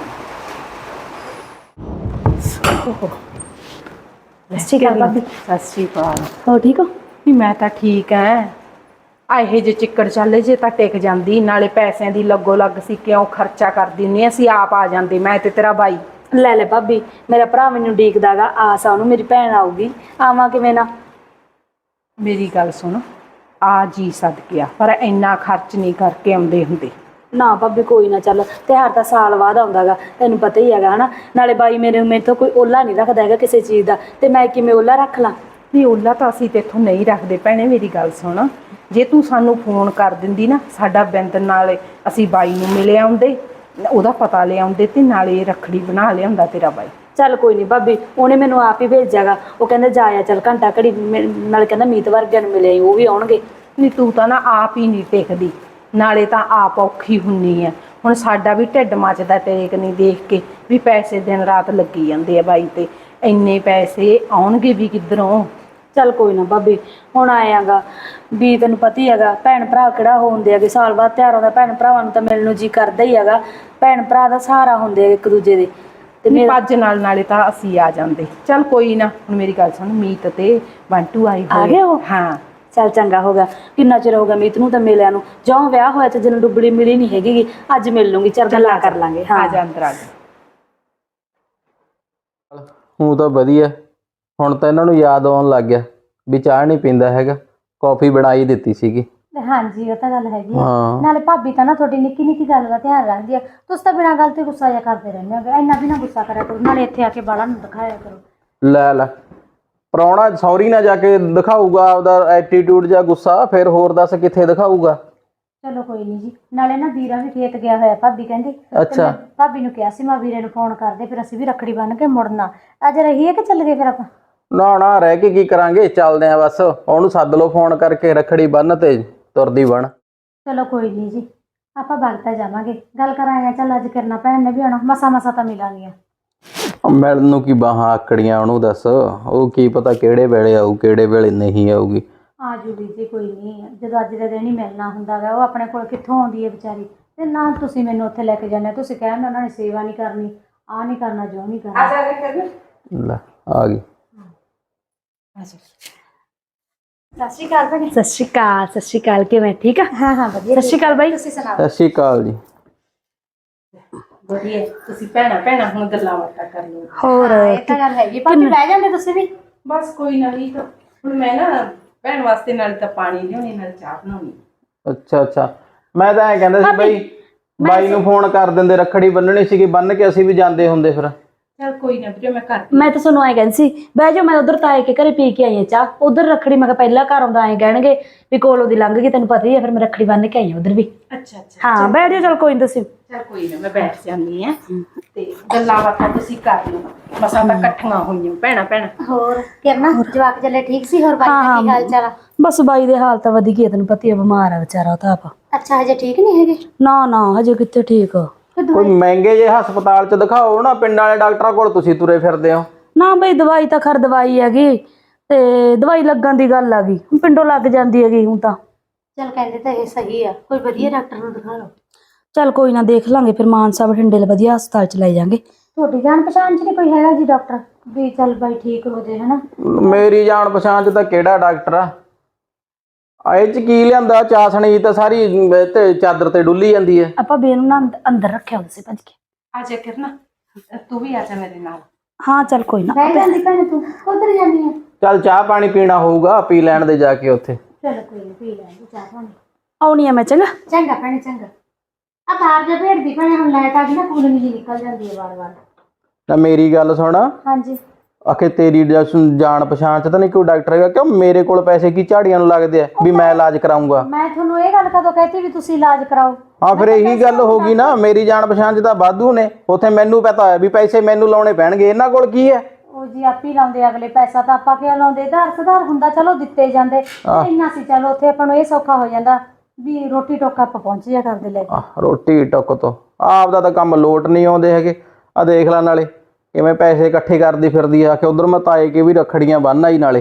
Speaker 1: ਸਤਿ ਸ਼੍ਰੀ ਅਕਾਲ ਭਾਬੀ।
Speaker 4: ਸਤਿ ਸ਼੍ਰੀ ਅਕਾਲ।
Speaker 1: ਹੋ ਠੀਕ ਹੋ?
Speaker 4: ਵੀ ਮੈਂ ਤਾਂ ਠੀਕ ਐ, ਆ ਇਹ ਜੇ ਚਿੱਕੜ ਚੱਲੇ ਜੇ ਤਾਂ ਟਿਕ ਜਾਂਦੀ, ਨਾਲੇ ਪੈਸਿਆਂ ਦੀ ਲੱਗੋ ਲੱਗ ਸੀ, ਕਿਉਂ ਖਰਚਾ ਕਰਦੀ ਹੁੰਦੀ, ਅਸੀਂ ਆਪ ਆ ਜਾਂਦੇ ਮੈਂ ਤੇ ਤੇਰਾ ਬਾਈ।
Speaker 3: ਲੈ ਲੈ ਭਾਬੀ, ਮੇਰਾ ਭਰਾ ਮੈਨੂੰ ਡੀਕਦਾਗਾ, ਆਸ ਆ ਉਹਨੂੰ ਮੇਰੀ ਭੈਣ ਆਊਗੀ, ਆਵਾਂ ਕਿਵੇਂ ਨਾ।
Speaker 4: ਮੇਰੀ ਗੱਲ ਸੁਣ, ਆ ਜੀ ਸਦਕਿਆ, ਪਰ ਇੰਨਾ ਖਰਚ ਨਹੀਂ ਕਰਕੇ ਆਉਂਦੇ ਹੁੰਦੇ।
Speaker 3: ਨਾ ਭਾਬੀ ਕੋਈ ਨਾ, ਚੱਲ ਤਿਉਹਾਰ ਤਾਂ ਸਾਲ ਬਾਅਦ ਆਉਂਦਾਗਾ, ਤੈਨੂੰ ਪਤਾ ਹੀ ਹੈਗਾ ਹਨਾ। ਨਾਲੇ ਬਾਈ ਮੇਰੇ ਮੇਰੇ ਤੋਂ ਕੋਈ ਓਲਾ ਨਹੀਂ ਰੱਖਦਾ ਹੈਗਾ ਕਿਸੇ ਚੀਜ਼ ਦਾ, ਤੇ ਮੈਂ ਕਿਵੇਂ ਓਲਾ ਰੱਖ ਲਾਂ।
Speaker 4: ਵੀ ਓਲਾ ਤਾਂ ਅਸੀਂ ਤੇਥੋਂ ਨਹੀਂ ਰੱਖਦੇ ਭੈਣੇ, ਮੇਰੀ ਗੱਲ ਸੁਣ, ਜੇ ਤੂੰ ਸਾਨੂੰ ਫੋਨ ਕਰ ਦਿੰਦੀ ਨਾ, ਸਾਡਾ ਬਿੰਦ ਨਾਲ ਅਸੀਂ ਬਾਈ ਨੂੰ ਮਿਲ ਆਉਂਦੇ, ਉਹਦਾ ਪਤਾ ਲਿਆਉਂਦੇ, ਤੇ ਨਾਲੇ ਰੱਖੜੀ ਬਣਾ ਲਿਆਉਂਦਾ ਤੇਰਾ ਬਾਈ।
Speaker 3: ਚੱਲ ਕੋਈ ਨਹੀਂ ਭਾਬੀ, ਉਹਨੇ ਮੈਨੂੰ ਆਪ ਹੀ ਭੇਜਾਗਾ, ਉਹ ਕਹਿੰਦਾ ਜਾ ਆ ਚੱਲ ਘੰਟਾ ਘੜੀ, ਨਾਲੇ ਕਹਿੰਦਾ ਮੀਤ ਵਰਗਿਆਂ ਨੂੰ ਮਿਲਿਆ ਉਹ ਵੀ ਆਉਣਗੇ।
Speaker 4: ਨਹੀਂ ਤੂੰ ਤਾਂ ਨਾ ਆਪ ਹੀ ਨਹੀਂ ਟਿਕਦੀ, ਨਾਲੇ ਤਾਂ ਆਪ ਔਖੀ ਹੁੰਨੀ ਆ। ਹੁਣ ਸਾਡਾ ਵੀ ਢਿੱਡ ਮੱਚਦਾ ਤੇਰੇ ਕਨੀ ਦੇਖ ਕੇ ਵੀ ਪੈਸੇ ਦਿਨ ਰਾਤ ਲੱਗੀ ਜਾਂਦੇ ਆ ਬਾਈ ਤੇ, ਇੰਨੇ ਪੈਸੇ ਆਉਣਗੇ ਵੀ ਕਿੱਧਰੋਂ।
Speaker 3: ਚੱਲ ਕੋਈ ਨਾ ਭਾਬੀ, ਹੁਣ ਆਏਗਾ ਵੀ ਤੈਨੂੰ ਪਤਾ ਹੀ ਹੈਗਾ, ਭੈਣ ਭਰਾ ਕਿਹੜਾ ਹੁੰਦੇ ਹੈਗੇ, ਸਾਲ ਬਾਅਦ ਤਿਉਹਾਰ ਆਉਂਦਾ, ਭੈਣ ਭਰਾਵਾਂ ਨੂੰ ਤਾਂ ਮਿਲਣ ਨੂੰ ਜੀ ਕਰਦਾ ਹੀ ਹੈਗਾ, ਭੈਣ ਭਰਾ ਦਾ ਸਹਾਰਾ ਹੁੰਦੇ ਆ ਇੱਕ ਦੂਜੇ ਦੇ। ਤੇ
Speaker 4: ਨਹੀਂ
Speaker 3: ਮੇਰਾ
Speaker 4: ਭੱਜ ਨਾਲ ਨਾਲੇ ਤਾਂ ਅਸੀਂ ਆ ਜਾਂਦੇ। ਚੱਲ ਕੋਈ ਨਾ, ਹੁਣ ਮੇਰੀ ਗੱਲ ਸੁਣ, ਮੀਤ ਤੇ ਬੰਟੂ ਆਏ
Speaker 3: ਆ
Speaker 4: ਹੋਏ।
Speaker 3: ਗਏ ਉਹ?
Speaker 4: ਹਾਂ।
Speaker 3: ਚੱਲ ਚੰਗਾ ਹੋ ਗਿਆ, ਕਿੰਨਾ ਚਿਰ ਹੋ ਗਿਆ ਮੀਤ ਨੂੰ ਤਾਂ ਮਿਲਿਆ ਨੂੰ, ਜਿਉਂ ਵਿਆਹ ਹੋਇਆ ਤੇ ਜਦੋਂ ਡੁੱਬੜੀ ਮਿਲੀ ਨਹੀਂ ਹੈਗੀ, ਅੱਜ ਮਿਲ ਲੂੰਗੀ, ਚੱਲ ਗੱਲਾਂ ਕਰ ਲਾਂਗੇ।
Speaker 4: ਆ
Speaker 3: ਹਾਂ
Speaker 4: ਜਾ ਅੰਦਰ ਆ ਜਾ।
Speaker 2: ਹੂੰ ਤਾਂ ਵਧੀਆ, ਹੁਣ ਤਾਂ ਇਹਨਾਂ ਨੂੰ ਯਾਦ ਆਉਣ ਲੱਗ ਗਿਆ ਵੀ ਚਾਹ ਨਹੀਂ ਪੀਂਦਾ ਹੈਗਾ, ਕੌਫੀ ਬਣਾਈ ਦਿੱਤੀ ਸੀਗੀ।
Speaker 1: ਹਾਂਜੀ ਉਹ ਤਾਂ ਗੱਲ ਹੈਗੀ ਆ।
Speaker 2: ਹਾਂ।
Speaker 1: ਨਾਲੇ ਭਾਬੀ ਤਾਂ ਨਾ ਤੁਹਾਡੀ ਨਿੱਕੀ ਨਿੱਕੀ ਗੱਲ ਦਾ ਧਿਆਨ ਰੱਖਦੀ ਆ, ਤੁਸੀਂ ਤਾਂ ਬਿਨਾਂ ਗੱਲ ਤੇ ਗੁੱਸਾ ਜਿਹਾ ਕਰਦੇ ਰਹਿੰਦੇ ਹੋ, ਇੰਨਾ ਵੀ ਨਾ ਗੁੱਸਾ ਕਰਿਆ ਕਰੋ, ਨਾਲੇ ਇੱਥੇ ਆ ਕੇ ਬਾਲਾਂ ਨੂੰ ਦਿਖਾਇਆ ਕਰੋ।
Speaker 2: ਲੈ ਲੈ, ਪ੍ਰਾਹੁਣਾ ਸੌਰੀ ਨਾ ਜਾ ਕੇ ਦਿਖਾਊਗਾ ਆਪਦਾ ਐਟੀਟਿਊਡ ਜਾਂ ਗੁੱਸਾ, ਫਿਰ ਹੋਰ ਦੱਸ ਕਿੱਥੇ ਦਿਖਾਊਗਾ।
Speaker 1: ਚਲੋ ਕੋਈ ਨਹੀਂ ਜੀ, ਨਾਲੇ ਨਾ ਵੀਰਾ ਵੀ ਖੇਤ ਗਿਆ ਹੋਇਆ, ਭਾਬੀ ਕਹਿੰਦੀ। ਤੇ
Speaker 2: ਅੱਛਾ।
Speaker 1: ਮੈਂ ਭਾਬੀ ਨੂੰ ਕਿਹਾ ਸੀ ਮੈਂ ਵੀਰੇ ਨੂੰ ਫੋਨ ਕਰਦੇ, ਫਿਰ ਅਸੀਂ ਵੀ ਰੱਖੜੀ ਬੰਨ ਕੇ ਮੁੜਨਾ। ਅੱਜ ਰਹੀਏ ਕਿ ਚੱਲ ਗਏ ਫਿਰ ਆਪਾਂ?
Speaker 2: ਨਾ ਨਾ, ਰਹਿ ਕੇ ਕੀ ਕਰਾਂਗੇ, ਚੱਲਦੇ ਆ ਬਸ, ਉਹਨੂੰ ਸੱਦ ਲਓ ਫੋਨ ਕਰਕੇ, ਰੱਖੜੀ ਬੰਨ ਤੇ ਤੁਰਦੀ ਬਣ।
Speaker 1: ਚਲੋ ਕੋਈ ਨਹੀਂ ਜੀ, ਆਪਾਂ ਵਗਤਾ ਜਾਵਾਂਗੇ, ਗੱਲ ਕਰਾਂਗੇ। ਚੱਲ ਅੱਜ ਕਰਨਾ ਭੈਣ ਨੇ ਵੀ ਆਉਣਾ, ਮਸਾ ਮਸਾ ਤਾਂ ਮਿਲਾਂਗੀਆਂ।
Speaker 2: ਮਿਲਣ ਨੂੰ ਕੀ ਬਾਹਾਂ ਆਕੜੀਆਂ ਉਹਨੂੰ, ਦੱਸ ਉਹ ਕੀ ਪਤਾ ਕਿਹੜੇ ਵੇਲੇ ਆਊ ਕਿਹੜੇ ਵੇਲੇ ਨਹੀਂ ਆਊਗੀ।
Speaker 1: ਆ ਜੂਗੀ ਜੀ, ਕੋਈ ਨਹੀਂ, ਜਦੋਂ ਅੱਜ ਦੇ ਦਿਨ ਹੀ ਮਿਲਣਾ ਹੁੰਦਾ ਗਾ, ਉਹ ਆਪਣੇ ਕੋਲ ਕਿੱਥੋਂ ਆਉਂਦੀ ਹੈ ਵਿਚਾਰੀ। ਤੇ ਨਾ ਤੁਸੀਂ ਮੈਨੂੰ ਉੱਥੇ ਲੈ ਕੇ ਜਾਂਦੇ, ਤੁਸੀਂ ਕਹਿੰਦੇ ਉਹਨਾਂ ਨੇ ਸੇਵਾ ਨਹੀਂ ਕਰਨੀ, ਆਹ ਨਹੀਂ ਕਰਨਾ, ਜੋ ਨਹੀਂ ਕਰਨਾ।
Speaker 2: ਲੈ ਆ ਗਈ।
Speaker 1: ਸਤਿ ਸ਼੍ਰੀ ਅਕਾਲ ਭੈਣੇ।
Speaker 3: ਸਤਿ ਸ਼੍ਰੀ ਅਕਾਲ। ਸਤਿ ਸ਼੍ਰੀ ਅਕਾਲ, ਕਿਵੇਂ ਠੀਕ ਆ?
Speaker 1: ਹਾਂ ਹਾਂ ਵਧੀਆ।
Speaker 3: ਸਤਿ ਸ਼੍ਰੀ ਅਕਾਲ ਬਾਈ।
Speaker 1: ਤੁਸੀਂ ਸੁਣਾਓ?
Speaker 2: ਸਤਿ ਸ਼੍ਰੀ ਅਕਾਲ ਜੀ।
Speaker 4: ਵਧੀਆ, ਤੁਸੀਂ ਭੈਣਾ ਭੈਣਾ ਹੁਣ ਗੱਲਾਂ ਬਾਤਾਂ ਕਰ ਲਓ।
Speaker 3: ਹੋਰ
Speaker 1: ਇਹ ਤਾਂ ਗੱਲ ਹੈਗੀ, ਭਾਬੀ ਬਹਿ ਜਾਂਦੇ ਤੁਸੀਂ ਵੀ।
Speaker 4: ਬਸ ਕੋਈ ਨਾ, ਨਹੀਂ ਤਾਂ ਹੁਣ ਮੈਂ ਨਾ ਭੈਣ ਵਾਸਤੇ ਨਾਲ ਤਾਂ ਪਾਣੀ ਲਿਆਉਣੀ, ਨਾਲ ਚਾਹ ਬਣਾਉਣੀ।
Speaker 2: ਅੱਛਾ ਅੱਛਾ, ਮੈਂ ਤਾਂ ਐਂ ਕਹਿੰਦਾ ਸੀ ਬਈ, ਬਾਈ ਨੂੰ ਫੋਨ ਕਰ ਦਿੰਦੇ, ਰੱਖੜੀ ਬੰਨਣੀ ਸੀਗੀ, ਬੰਨ ਕੇ ਅਸੀਂ ਵੀ ਜਾਂਦੇ ਹੁੰਦੇ ਫਿਰ।
Speaker 4: ਚਲ ਕੋਈ ਨਾ ਵੀਰੇ, ਮੈਂ ਕਰ
Speaker 3: ਮੈਂ ਤਾਂ ਤੁਹਾਨੂੰ ਐਂ ਕਹਿੰਦੀ ਸੀ, ਬਹਿ ਜਾਓ, ਮੈਂ ਉਧਰ ਤਾਏ ਕੇ ਘਰੇ ਪੀ ਕੇ ਆਈ ਆ ਚਾਹ, ਉਧਰ ਰੱਖੜੀ ਮੈਂ ਕਿਹਾ ਪਹਿਲਾਂ ਘਰ ਆਉਂਦਾ ਐਂ ਕਹਿਣਗੇ ਵੀ ਕੋਲੋਂ ਦੀ ਲੰਘ ਗਈ, ਤੈਨੂੰ ਪਤਾ ਹੀ ਆ, ਫਿਰ ਮੈਂ ਰੱਖੜੀ ਬੰਨ ਕੇ ਆਈ ਆ ਉਧਰ ਵੀ।
Speaker 4: ਅੱਛਾ ਅੱਛਾ,
Speaker 3: ਹਾਂ ਬੈਠ ਜਾਓ, ਚਲ ਕੋਈ ਨਹੀਂ ਤੁਸੀਂ।
Speaker 4: ਚਲ ਕੋਈ ਨਾ, ਮੈਂ ਬੈਠ ਜਾਂਦੀ ਆ ਤੇ ਗੱਲਾਂ ਬਾਤਾਂ ਤੁਸੀਂ ਕਰ ਲਓ, ਮਸਾਂ ਤਾਂ ਇਕੱਠੀਆਂ ਹੋਈਆਂ ਭੈਣਾ ਭੈਣਾ।
Speaker 1: ਹੋਰ ਕਿਰਨਾ ਜਵਾਕ ਚੱਲੇ ਠੀਕ ਸੀ? ਹੋਰ ਬਾਈ ਦਾ ਕੀ ਹਾਲ ਚਾਲ ਆ?
Speaker 3: ਬਸ ਬਾਈ ਦੇ ਹਾਲ ਤਾਂ ਵਧੀਆ ਹੀ ਆ, ਤੈਨੂੰ ਪਤਾ ਹੀ ਆ, ਬਿਮਾਰ ਆ ਵਿਚਾਰਾ ਉਹ ਤਾਂ ਆਪ।
Speaker 1: ਅੱਛਾ, ਹਜੇ ਠੀਕ ਨਹੀਂ ਹੈਗੇ?
Speaker 3: ਨਾ ਨਾ, ਹਜੇ ਕਿੱਥੇ ਠੀਕ ਆ।
Speaker 2: ਕੋਈ ਮਹਿੰਗੇ ਜਿਹੇ ਹਸਪਤਾਲ 'ਚ ਦਿਖਾਓ ਨਾ, ਪਿੰਡ ਵਾਲੇ ਡਾਕਟਰਾਂ ਕੋਲ ਤੁਸੀਂ ਤੁਰੇ ਫਿਰਦੇ ਹੋ।
Speaker 3: ਨਾ ਬਈ, ਦਵਾਈ ਤਾਂ ਖਰ ਦਵਾਈ ਹੈਗੀ, ਤੇ ਦਵਾਈ ਲੱਗਣ ਦੀ ਗੱਲ ਆ ਗਈ, ਪਿੰਡੋਂ ਲੱਗ ਜਾਂਦੀ ਹੈਗੀ ਹੁਣ ਤਾਂ।
Speaker 1: ਚਲ ਕਹਿੰਦੇ ਤਾਂ ਇਹ ਸਹੀ ਆ, ਕੋਈ ਵਧੀਆ ਡਾਕਟਰ ਨੂੰ ਦਿਖਾ ਲਓ।
Speaker 3: ਚੱਲ ਕੋਈ ਨਾ, ਦੇਖ ਲਾਂਗੇ ਫਿਰ, ਮਾਨਸਾ ਬਠਿੰਡੇ ਵਧੀਆ ਹਸਪਤਾਲ ਚ ਲੈ ਜਾਾਂਗੇ।
Speaker 1: ਤੁਹਾਡੀ ਜਾਣ ਪਛਾਣ ਚ ਨਹੀਂ ਕੋਈ ਹੈਗਾ ਜੀ ਡਾਕਟਰ ਵੀ ਚੱਲ ਬਾਈ ਠੀਕ ਹੋ ਜੇ? ਹਨਾ,
Speaker 2: ਮੇਰੀ ਜਾਣ ਪਛਾਣ 'ਚ ਤਾਂ ਕਿਹੜਾ ਡਾਕਟਰ ਆ, ਇਹ ਚ ਕੀ ਲਿਆਂਦਾ? ਚਾਸਣੀ ਤਾਂ ਸਾਰੀ ਅਮ, ਤੇ ਚਾਦਰ ਤੇ ਡੁੱਲੀ ਜਾਂਦੀ ਹੈ।
Speaker 3: ਆਪਾਂ ਬੇ ਨੂੰ ਨਾ ਅੰਦ- ਅੰਦਰ ਰੱਖਿਆ ਹੁੰਦਾ ਸੀ ਭੱਜ ਕੇ।
Speaker 4: ਆ ਜਾ ਕਿਰਨਾ, ਤੂੰ ਵੀ ਆ ਜਾ ਮੇਰੇ ਨਾਲ।
Speaker 3: ਹਾਂ ਚੱਲ ਕੋਈ ਨਾ।
Speaker 1: ਬਹਿ ਜਾਂਦੀ ਭੈਣੇ, ਤੂੰ ਉਧਰ ਜਾਂਦੀ ਆ।
Speaker 2: ਚੱਲ ਚਾਹ ਪਾਣੀ ਪੀਣਾ ਹੋਊਗਾ, ਪੀ ਲੈਣ ਦੇ ਜਾ ਕੇ ਉੱਥੇ।
Speaker 1: ਚਲ ਕੋਈ ਨੀ, ਪੀ ਲੈ ਚਾਹ ਪਾਣੀ।
Speaker 3: ਆਉਣੀ ਆ ਮੈਂ, ਚੰਗਾ।
Speaker 1: ਚੰਗਾ ਭੈਣੇ ਚੰਗਾ। ਆ ਬਾਹਰ ਜਾ ਭੇੜਦੀ ਭੈਣੇ, ਹੁਣ ਲਾਈਟ ਆ ਗਈ ਨਾ, ਕੂਲਰ ਜੀ ਨਿਕਲ ਜਾਂਦੀ ਹੈ ਵਾਰ ਵਾਰ।
Speaker 2: ਨਾ ਮੇਰੀ ਗੱਲ ਸੁਣ,
Speaker 1: ਹਾਂਜੀ।
Speaker 2: ਆਖੇ ਤੇਰੀ ਜ- ਜਾਣ ਪਛਾਣ ਚ ਤਾਂ ਨਹੀਂ ਕੋਈ ਡਾਕਟਰ ਹੈਗਾ? ਕਿਉਂ ਮੇਰੇ ਕੋਲ ਪੈਸੇ ਕੀ ਝਾੜੀਆਂ ਨੂੰ ਲੱਗਦੇ ਆ ਵੀ ਮੈਂ ਇਲਾਜ ਕਰਾਉਂਗਾ?
Speaker 1: ਮੈਂ ਤੁਹਾਨੂੰ ਇਹ ਗੱਲ ਕਦੋਂ ਕਹਿਤੀ ਵੀ ਤੁਸੀਂ ਇਲਾਜ ਕਰਾਓ?
Speaker 2: ਹਾਂ ਫਿਰ ਇਹੀ ਗੱਲ ਹੋ ਗਈ ਨਾ, ਮੇਰੀ ਜਾਣ ਪਛਾਣ ਚ ਤਾਂ ਵਾਧੂ ਨੇ। ਉੱਥੇ ਮੈਨੂੰ ਪਤਾ ਹੈ ਵੀ ਪੈਸੇ ਮੈਨੂੰ ਲਾਉਣੇ ਪੈਣਗੇ, ਇਹਨਾਂ ਕੋਲ ਕੀ ਹੈ?
Speaker 1: ਉਹ ਜੀ ਆਪੀ ਲਾਉਂਦੇ ਅਗਲੇ, ਪੈਸਾ ਤਾਂ ਆਪਾਂ ਕਿਉਂ ਲਾਉਂਦੇ? ਆਧਾਰ ਸੁਧਾਰ ਹੁੰਦਾ, ਚਲੋ ਦਿੱਤੇ ਜਾਂਦੇ। ਇੰਨਾ ਸੀ ਚਲੋ, ਉੱਥੇ ਆਪਾਂ ਨੂੰ ਇਹ ਸੌਖਾ ਹੋ ਜਾਂਦਾ ਵੀ ਰੋਟੀ ਟੋਕਾ ਆਪਾਂ ਪਹੁੰਚ ਜਾ ਕਰਦੇ ਲੈ ਕੇ।
Speaker 2: ਆਹ, ਰੋਟੀ ਟੁੱਕ ਤੋਂ ਆਪਦਾ ਤਾਂ ਕੰਮ ਲੋਟ ਨਹੀਂ ਆਉਂਦੇ ਹੈਗੇ। ਆ ਦੇਖ ਲੈ ਨਾਲੇ ਕਿਵੇਂ ਪੈਸੇ ਇਕੱਠੇ ਕਰਦੀ ਫਿਰਦੀ ਆ ਕਿ ਉਧਰ ਮੈਂ ਤਾਏ ਕੇ ਵੀ ਰੱਖੜੀਆਂ ਬੰਨ ਆਈ ਨਾਲੇ।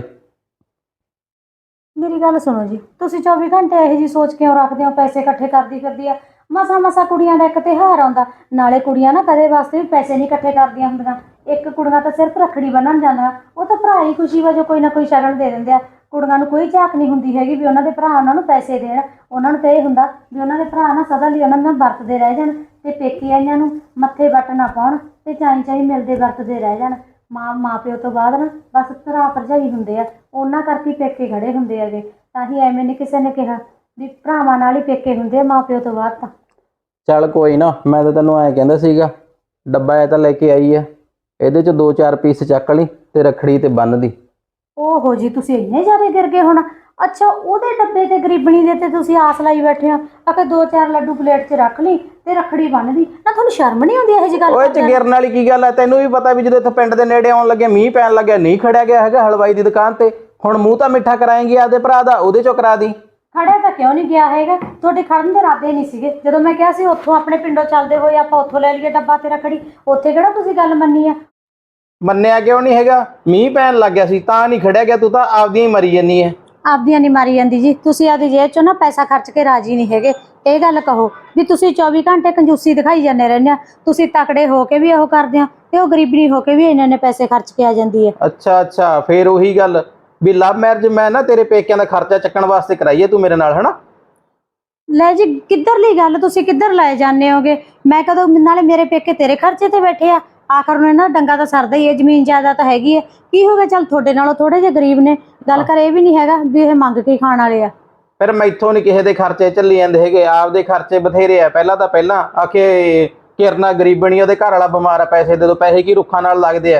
Speaker 1: ਮੇਰੀ ਗੱਲ ਸੁਣੋ ਜੀ, ਤੁਸੀਂ ਚੌਵੀ ਘੰਟੇ ਇਹੋ ਜੀ ਸੋਚ ਕਿਉਂ ਰੱਖਦੇ ਹੋ ਪੈਸੇ ਇਕੱਠੇ ਕਰਦੀ ਫਿਰਦੀ ਆ? ਮਸਾ ਮਸਾ ਕੁੜੀਆਂ ਦਾ ਇੱਕ ਤਿਉਹਾਰ ਆਉਂਦਾ, ਨਾਲੇ ਕੁੜੀਆਂ ਨਾ ਕਦੇ ਵਾਸਤੇ ਵੀ ਪੈਸੇ ਨਹੀਂ ਇਕੱਠੇ ਕਰਦੀਆਂ ਹੁੰਦੀਆਂ। ਇੱਕ ਕੁੜੀਆਂ ਤਾਂ ਸਿਰਫ ਰੱਖੜੀ ਬੰਨ੍ਹਣ ਜਾਂਦੀਆਂ, ਉਹ ਤਾਂ ਭਰਾ ਹੀ ਖੁਸ਼ੀ ਵਜੋਂ ਕੋਈ ਨਾ ਕੋਈ ਸ਼ਗਨ ਦੇ ਦਿੰਦੇ ਆ। ਕੁੜੀਆਂ ਨੂੰ ਕੋਈ ਝਾਕ ਨਹੀਂ ਹੁੰਦੀ ਹੈਗੀ ਵੀ ਉਹਨਾਂ ਦੇ ਭਰਾ ਉਹਨਾਂ ਨੂੰ ਪੈਸੇ ਦੇਣ। ਉਹਨਾਂ ਨੂੰ ਤਾਂ ਇਹ ਹੁੰਦਾ ਵੀ ਉਹਨਾਂ ਦੇ ਭਰਾ ਨਾ ਸਦਾ ਲਈ ਉਹਨਾਂ ਨਾਲ ਵਰਤਦੇ ਰਹਿ ਜਾਣ, ਤੇ ਪੇਕੇ ਆਈਆਂ ਨੂੰ ਮੱਥੇ ਵੱਟ ਨਾ ਪਾਉਣ, ਤੇ ਚਾਈ ਚਾਈ ਮਿਲਦੇ ਵਰਤਦੇ ਰਹਿ ਜਾਣ। ਮਾਂ ਮਾਂ ਪਿਓ ਤੋਂ ਬਾਅਦ ਨਾ ਬਸ ਭਰਾ ਭਰਜਾਈ ਹੁੰਦੇ ਆ, ਉਹਨਾਂ ਕਰਕੇ ਪੇਕੇ ਖੜੇ ਹੁੰਦੇ ਹੈਗੇ। ਤਾਂ ਹੀ ਐਵੇਂ ਨਹੀਂ ਕਿਸੇ ਨੇ ਕਿਹਾ ਵੀ ਭਰਾਵਾਂ ਨਾਲ ਹੀ ਪੇਕੇ ਹੁੰਦੇ ਆ ਮਾਂ ਪਿਓ ਤੋਂ ਬਾਅਦ ਤਾਂ।
Speaker 2: ਚੱਲ ਕੋਈ ਨਾ, ਮੈਂ ਤਾਂ ਤੈਨੂੰ ਐਂ ਕਹਿੰਦਾ ਸੀਗਾ, ਡੱਬਾ ਇਹ ਤਾਂ ਲੈ ਕੇ ਆਈ ਆ, ਇਹਦੇ ਚ ਦੋ ਚਾਰ ਪੀਸ ਚੱਕ ਲਈ ਤੇ ਰੱਖੜੀ ਤੇ ਬੰਨ ਦੀ।
Speaker 1: ਓਹੋ ਜੀ, ਤੁਸੀਂ ਇੰਨੇ ਜ਼ਿਆਦਾ ਗਿਰ ਗਏ ਹੁਣ। ਅੱਛਾ, ਉਹਦੇ ਡੱਬੇ ਤੇ ਗਰੀਬਣੀ ਦੇ ਤੇ ਤੁਸੀਂ ਆਸ ਲਾਈ ਬੈਠੇ ਹੋ ਆ ਕਿ ਦੋ ਚਾਰ ਲੱਡੂ ਪਲੇਟ 'ਚ ਰੱਖ ਲਈ ਤੇ ਰੱਖੜੀ ਬੰਨ੍ਹਦੀ। ਨਾ ਤੁਹਾਨੂੰ ਸ਼ਰਮ ਨਹੀਂ ਆਉਂਦੀ ਇਹੋ ਜਿਹੀ ਗੱਲ
Speaker 2: ਓਏ ਚ ਗਿਰਨ ਵਾਲੀ ਕੀ ਗੱਲ ਹੈ? ਤੈਨੂੰ ਵੀ ਪਤਾ ਵੀ ਜਦੋਂ ਇੱਥੇ ਪਿੰਡ ਦੇ ਨੇੜੇ ਆਉਣ ਲੱਗੇ ਮੀਂਹ ਪੈਣ ਲੱਗਿਆ, ਨਹੀਂ ਖੜਿਆ ਗਿਆ ਹੈਗਾ ਹਲਵਾਈ ਦੀ ਦੁਕਾਨ ਤੇ। ਹੁਣ ਮੂੰਹ ਤਾਂ ਮਿੱਠਾ ਕਰਾਏਂਗੀ ਆਪਦੇ ਭਰਾ ਦਾ, ਉਹਦੇ ਚੋਂ ਕਰਾ ਦੀ।
Speaker 1: ਖੜਿਆ ਤਾਂ ਕਿਉਂ ਨਹੀਂ ਗਿਆ ਹੈਗਾ? ਤੁਹਾਡੇ ਖੜਨ ਦੇ ਇਰਾਦੇ ਨਹੀਂ ਸੀਗੇ। ਜਦੋਂ ਮੈਂ ਕਿਹਾ ਸੀ ਉੱਥੋਂ ਆਪਣੇ ਪਿੰਡੋਂ ਚੱਲਦੇ ਹੋਏ ਆਪਾਂ ਉੱਥੋਂ ਲੈ ਲਈਏ ਡੱਬਾ ਤੇ ਰੱਖੜੀ, ਉੱਥੇ ਕਿਹੜਾ ਤੁਸੀਂ ਗੱਲ ਮੰਨੀ ਆ?
Speaker 2: ਮੰਨਿਆ ਕਿਉਂ ਨਹੀਂ ਹੈਗਾ? ਮੀਂਹ ਪੈਣ ਲੱਗ ਗਿਆ ਸੀ ਤਾਂ ਨਹੀਂ ਖੜਿਆ ਗਿਆ, ਤੂੰ ਤਾਂ ਆਪਦੀਆਂ ਹੀ ਮਰੀ ਜੰਨੀ ਹੈ।
Speaker 1: ਆਪਦੀਆਂ ਨਹੀਂ ਮਾਰੀ ਜਾਂਦੀ ਜੀ, ਤੁਸੀਂ ਆਪਦੀ ਜੇਬ 'ਚੋਂ ਨਾ ਪੈਸਾ ਖਰਚ ਕੇ ਰਾਜੀ ਨਹੀਂ ਹੈਗੇ। ਇਹ ਗੱਲ ਕਹੋ ਵੀ ਤੁਸੀਂ ਚੌਵੀ ਘੰਟੇ ਕੰਜੂਸੀ ਦਿਖਾਈ ਜਾਂਦੇ ਰਹਿੰਦੇ ਆ। ਤੁਸੀਂ ਤਕੜੇ ਹੋ ਕੇ ਵੀ ਉਹ ਕਰਦੇ ਹੋ ਤੇ ਉਹ ਗਰੀਬਣੀ ਹੋ ਕੇ ਵੀ ਇਹਨਾਂ ਨੇ ਪੈਸੇ ਖਰਚ ਕੇ ਆ ਜਾਂਦੀ ਹੈ।
Speaker 2: ਅੱਛਾ ਅੱਛਾ, ਫੇਰ ਉਹੀ ਗੱਲ ਵੀ ਲਵ ਮੈਰਿਜ ਮੈਂ ਨਾ ਤੇਰੇ ਪੇਕਿਆਂ ਦਾ ਖਰਚਾ ਚੱਕਣ ਵਾਸਤੇ ਕਰਾਈਏ ਤੂੰ ਮੇਰੇ ਨਾਲ, ਹਨਾ?
Speaker 1: ਲੈ ਜੀ, ਕਿੱਧਰਲੀ ਗੱਲ, ਤੁਸੀਂ ਕਿੱਧਰ ਲੈ ਜਾਂਦੇ ਹੋਗੇ? ਮੈਂ ਕਦੋਂ? ਨਾਲੇ ਮੇਰੇ ਪੇਕੇ ਤੇਰੇ ਖਰਚੇ ਤੇ ਬੈਠੇ ਆ। ਆਖਰ ਨੂੰ ਇਹਨਾਂ ਡੰਗਾ ਤਾਂ ਸਰਦਾ ਹੀ ਹੈ, ਜ਼ਮੀਨ ਜਾਇਦਾਦ ਤਾਂ ਹੈਗੀ ਹੈ। ਕੀ ਹੋ ਗਿਆ? ਚੱਲ ਤੁਹਾਡੇ ਨਾਲੋਂ ਥੋੜੇ ਜਿਹੇ ਗਰੀਬ ਨੇ, ਗੱਲ ਕਰ ਇਹ ਵੀ ਨਹੀਂ ਹੈਗਾ ਵੀ ਇਹ ਮੰਗ ਕੇ ਖਾਣ ਵਾਲੇ ਆ।
Speaker 2: ਫਿਰ ਮੈਥੋਂ ਨਹੀਂ ਕਿਸੇ ਦੇ ਖਰਚੇ ਚੱਲੀ ਜਾਂਦੇ ਹੈਗੇ, ਆਪਦੇ ਖਰਚੇ ਬਥੇਰੇ ਆ। ਪਹਿਲਾਂ ਤਾਂ ਪਹਿਲਾਂ ਆਖੇ ਕਿਰਨਾ ਗਰੀਬਣੀ, ਉਹਦੇ ਘਰ ਵਾਲਾ ਬਿਮਾਰ ਆ, ਪੈਸੇ ਦੇ ਦੋ। ਪੈਸੇ ਕੀ ਰੁੱਖਾਂ ਨਾਲ ਲੱਗਦੇ ਆ?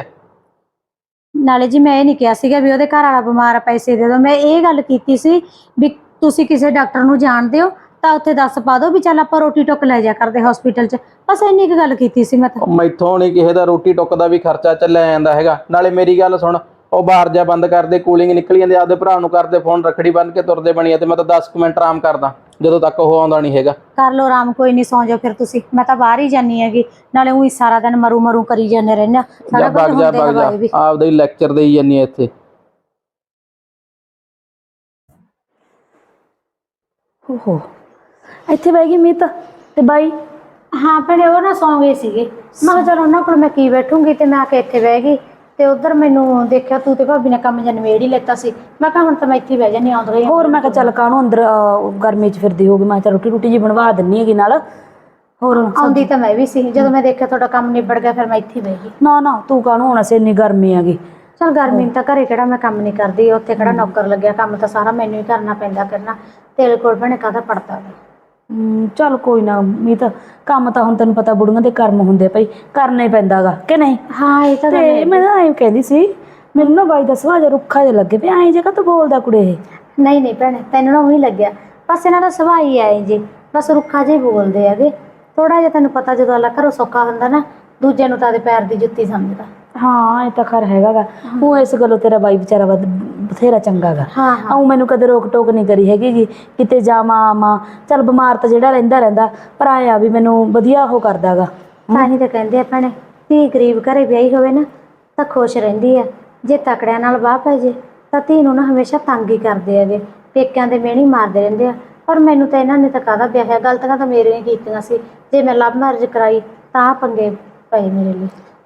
Speaker 1: ਨਾਲੇ ਜੀ ਮੈਂ ਇਹ ਨਹੀਂ ਕਿਹਾ ਸੀਗਾ ਵੀ ਉਹਦੇ ਘਰ ਵਾਲਾ ਬਿਮਾਰ ਆ ਪੈਸੇ ਦੇ ਦਿਓ। ਮੈਂ ਇਹ ਗੱਲ ਕੀਤੀ ਸੀ ਵੀ ਤੁਸੀਂ ਕਿਸੇ ਡਾਕਟਰ ਨੂੰ ਜਾਣਦੇ ਹੋ ਤਾਂ ਉੱਥੇ ਦੱਸ ਪਾ ਦਿਓ ਵੀ ਚੱਲ ਆਪਾਂ ਰੋਟੀ ਟੁੱਕ ਲੈ ਜਾ ਕਰਦੇ ਹਸਪੀਟਲ 'ਚ। ਬਸ ਇੰਨੀ ਕੁ ਗੱਲ ਕੀਤੀ ਸੀ ਮੈਂ ਤਾਂ।
Speaker 2: ਉਹ ਮੈਥੋਂ ਨਹੀਂ ਕਿਸੇ ਦਾ ਰੋਟੀ ਟੁੱਕ ਦਾ ਵੀ ਖਰਚਾ ਚੱਲਿਆ ਜਾਂਦਾ ਹੈਗਾ। ਨਾਲੇ ਮੇਰੀ ਗੱਲ ਸੁਣ, ਉਹ ਬਾਹਰ ਜਾ ਬੰਦ ਕਰਦੇ, ਕੂਲਿੰਗ ਨਿਕਲੀ ਜਾਂਦੀ, ਆਪਦੇ ਭਰਾ ਨੂੰ ਕਰਦੇ ਫੋਨ, ਰੱਖੜੀ ਬੰਨ ਕੇ ਤੁਰਦੇ ਬਣੀਏ। ਤੇ ਮੈਂ ਤਾਂ ਦਸ ਕੁ ਮਿੰਟ ਆਰਾਮ ਕਰਦਾ ਜਦੋਂ ਤੱਕ ਉਹ ਆਉਂਦਾ ਨਹੀਂ ਹੈਗਾ।
Speaker 1: ਕਰ ਲਓ ਆਰਾਮ, ਕੋਈ ਨਹੀਂ, ਸੌਂ ਜਾਓ ਫਿਰ ਤੁਸੀਂ। ਮੈਂ ਤਾਂ ਬਾਹਰ ਹੀ ਜਾਨੀ ਹੈਗੀ, ਨਾਲੇ ਉਹੀ ਸਾਰਾ ਦਿਨ ਮਰੂ ਮਰੂ ਕਰੀ ਜਾਂਦੇ ਰਹਿੰਦੇ ਆ। ਸਾਰਾ
Speaker 2: ਜਾ
Speaker 1: ਕੁਝ
Speaker 2: ਵਗ ਜਾ
Speaker 1: ਹੁੰਦੇ
Speaker 2: ਵਗ ਜਾ,
Speaker 1: ਹਵਾਏ ਵੀ।
Speaker 2: ਆਪਦਾ ਹੀ ਲੈਕਚਰ ਦੇਈ ਜਾਂਦੀ ਆ ਇੱਥੇ।
Speaker 3: ਓਹੋ, ਇੱਥੇ ਬਹਿ ਗਈ ਮੀਤ ਤੇ ਬਾਈ।
Speaker 1: ਹਾਂ ਭੈਣੇ, ਉਹ ਨਾ ਸੌਂ ਗਏ ਸੀਗੇ। ਮੈਂ ਕਿਹਾ ਚਲ ਉਹਨਾਂ ਕੋਲ ਮੈਂ ਕੀ ਬੈਠੂੰਗੀ, ਤੇ ਮੈਂ ਆ ਕੇ ਇੱਥੇ ਬਹਿ ਗਈ। ਤੇ ਉਧਰ ਮੈਨੂੰ ਦੇਖਿਆ ਤੂੰ ਤੇ ਭਾਬੀ ਨੇ ਕੰਮ ਜਾਂ ਨਿਬੇੜ ਹੀ ਲੈਤਾ ਸੀ। ਮੈਂ ਕਿਹਾ ਹੁਣ ਤਾਂ ਮੈਂ ਇੱਥੇ ਹੀ ਬਹਿ ਜਾਂਦੀ, ਆਉਂਦਾ ਰਹੀ।
Speaker 3: ਹੋਰ ਮੈਂ ਕਿਹਾ ਚੱਲ ਕਾਹਨੂੰ ਅੰਦਰ ਅਹ, ਗਰਮੀ 'ਚ ਫਿਰਦੀ ਹੋਗੀ। ਮੈਂ ਕਿਹਾ ਚੱਲ ਰੋਟੀ ਰੋਟੀ ਜੀ ਬਣਵਾ ਦਿੰਨੀ ਹੈਗੀ ਨਾਲ। ਹੋਰ
Speaker 1: ਆਉਂਦੀ ਤਾਂ ਮੈਂ ਵੀ ਸੀ, ਜਦੋਂ ਮੈਂ ਦੇਖਿਆ ਤੁਹਾਡਾ ਕੰਮ ਨਿਬੜ ਗਿਆ ਫਿਰ ਮੈਂ ਇੱਥੇ ਬਹਿ ਗਈ।
Speaker 3: ਨਾ ਨਾ, ਤੂੰ ਕਾਹਨੂੰ ਹੋਣਾ ਸੀ, ਇੰਨੀ ਗਰਮੀ ਹੈਗੀ।
Speaker 1: ਚਲ ਗਰਮੀ ਨੂੰ ਤਾਂ ਘਰੇ ਕਿਹੜਾ ਮੈਂ ਕੰਮ ਨਹੀਂ ਕਰਦੀ, ਉੱਥੇ ਕਿਹੜਾ ਨੌਕਰ ਲੱਗਿਆ, ਕੰਮ ਤਾਂ ਸਾਰਾ ਮੈਨੂੰ ਹੀ ਕਰਨਾ ਪੈਂਦਾ ਕਰਨਾ। ਤੇਰੇ ਕੋਲ ਭੈਣੇ ਕਾਹਦਾ ਪੜਦਾ ਵਾ।
Speaker 3: ਹਮ, ਚੱਲ ਕੋਈ ਨਾ ਮੀਤ, ਕੰਮ ਤਾਂ ਹੁਣ ਤੈਨੂੰ ਪਤਾ ਬੁੜੀਆਂ ਦੇ ਕਰਮ ਹੁੰਦੇ ਭਾਈ, ਕਰਨਾ ਹੀ ਪੈਂਦਾ ਗਾ ਕਿ ਨਹੀਂ?
Speaker 1: ਹਾਂ ਇਹ ਤਾਂ ਗੱਲ
Speaker 3: ਤੇ
Speaker 1: ਹੈ।
Speaker 3: ਮੈਂ ਤਾਂ ਐਂ ਕਹਿੰਦੀ ਸੀ, ਮੈਨੂੰ ਨਾ ਬਾਈ ਦਾ ਸੁਭਾਅ ਜਿਹਾ ਰੁੱਖਾ ਜਿਹਾ ਲੱਗੇ ਪਿਆ। ਐਂ ਜਗ੍ਹਾ ਤੂੰ ਬੋਲਦਾ ਕੁੜੇ ਇਹ?
Speaker 1: ਨਹੀਂ ਨਹੀਂ ਭੈਣੇ, ਤੈਨੂੰ ਨਾ ਉਹੀ ਲੱਗਿਆ, ਬਸ ਇਹਨਾਂ ਦਾ ਸੁਭਾਅ ਹੀ ਆਏ ਜੀ, ਬਸ ਰੁੱਖਾ ਜਿਹੇ ਬੋਲਦੇ ਹੈਗੇ। ਥੋੜਾ ਜਿਹਾ ਤੈਨੂੰ ਪਤਾ, ਜਦੋਂ ਅੱਲਾ ਘਰੋਂ ਸੌਖਾ ਹੁੰਦਾ ਨਾ, ਦੂਜੇ ਨੂੰ ਤਾਂ ਉਹਦੇ ਪੈਰ ਦੀ ਜੁੱਤੀ ਸਮਝਦਾ।
Speaker 3: ਹਾਂ ਇਹ ਤਾਂ ਖਰ ਹੈਗਾ ਗਾ। ਉਹ ਇਸ ਗੱਲੋਂ ਤੇਰਾ ਬਾਈ ਵਿਚਾਰਾ ਵਾ ਬਥੇਰਾ ਚੰਗਾ ਗਾ।
Speaker 1: ਹਾਂ ਹਾਂ
Speaker 3: ਉਹ ਮੈਨੂੰ ਕਦੇ ਰੋਕ ਟੋਕ ਨਹੀਂ ਕਰੀ ਹੈਗੀ ਜੀ, ਕਿਤੇ ਜਾਵਾਂ ਆਵਾਂ। ਚੱਲ ਬਿਮਾਰ ਤਾਂ ਜਿਹੜਾ ਰਹਿੰਦਾ ਰਹਿੰਦਾ, ਪਰ ਆਇਆ ਵੀ ਮੈਨੂੰ ਵਧੀਆ ਉਹ ਕਰਦਾ ਗਾ।
Speaker 1: ਤਾਂ ਹੀ ਤਾਂ ਕਹਿੰਦੇ ਆ ਭੈਣੇ, ਧੀ ਗਰੀਬ ਘਰੇ ਵਿਆਹੀ ਹੋਵੇ ਨਾ ਤਾਂ ਖੁਸ਼ ਰਹਿੰਦੀ ਆ, ਜੇ ਤਕੜਿਆਂ ਨਾਲ ਵਾਹ ਪੈ ਜੇ ਤਾਂ ਧੀ ਨੂੰ ਨਾ ਹਮੇਸ਼ਾ ਤੰਗ ਹੀ ਕਰਦੇ ਹੈਗੇ, ਪੇਕਿਆਂ ਦੇ ਮਿਹਣੀ ਮਾਰਦੇ ਰਹਿੰਦੇ ਆ। ਪਰ ਮੈਨੂੰ ਤਾਂ ਇਹਨਾਂ ਨੇ ਤਾਂ ਕਾਹਦਾ ਵਿਆਹਿਆ, ਗਲਤੀਆਂ ਤਾਂ ਮੇਰੀਆਂ ਕੀਤੀਆਂ ਸੀ। ਜੇ ਮੈਂ ਲਵ ਮੈਰਿਜ ਕਰਾਈ ਤਾਂ ਪੰਗੇ ਪਏ ਮੇਰੇ ਲਈ।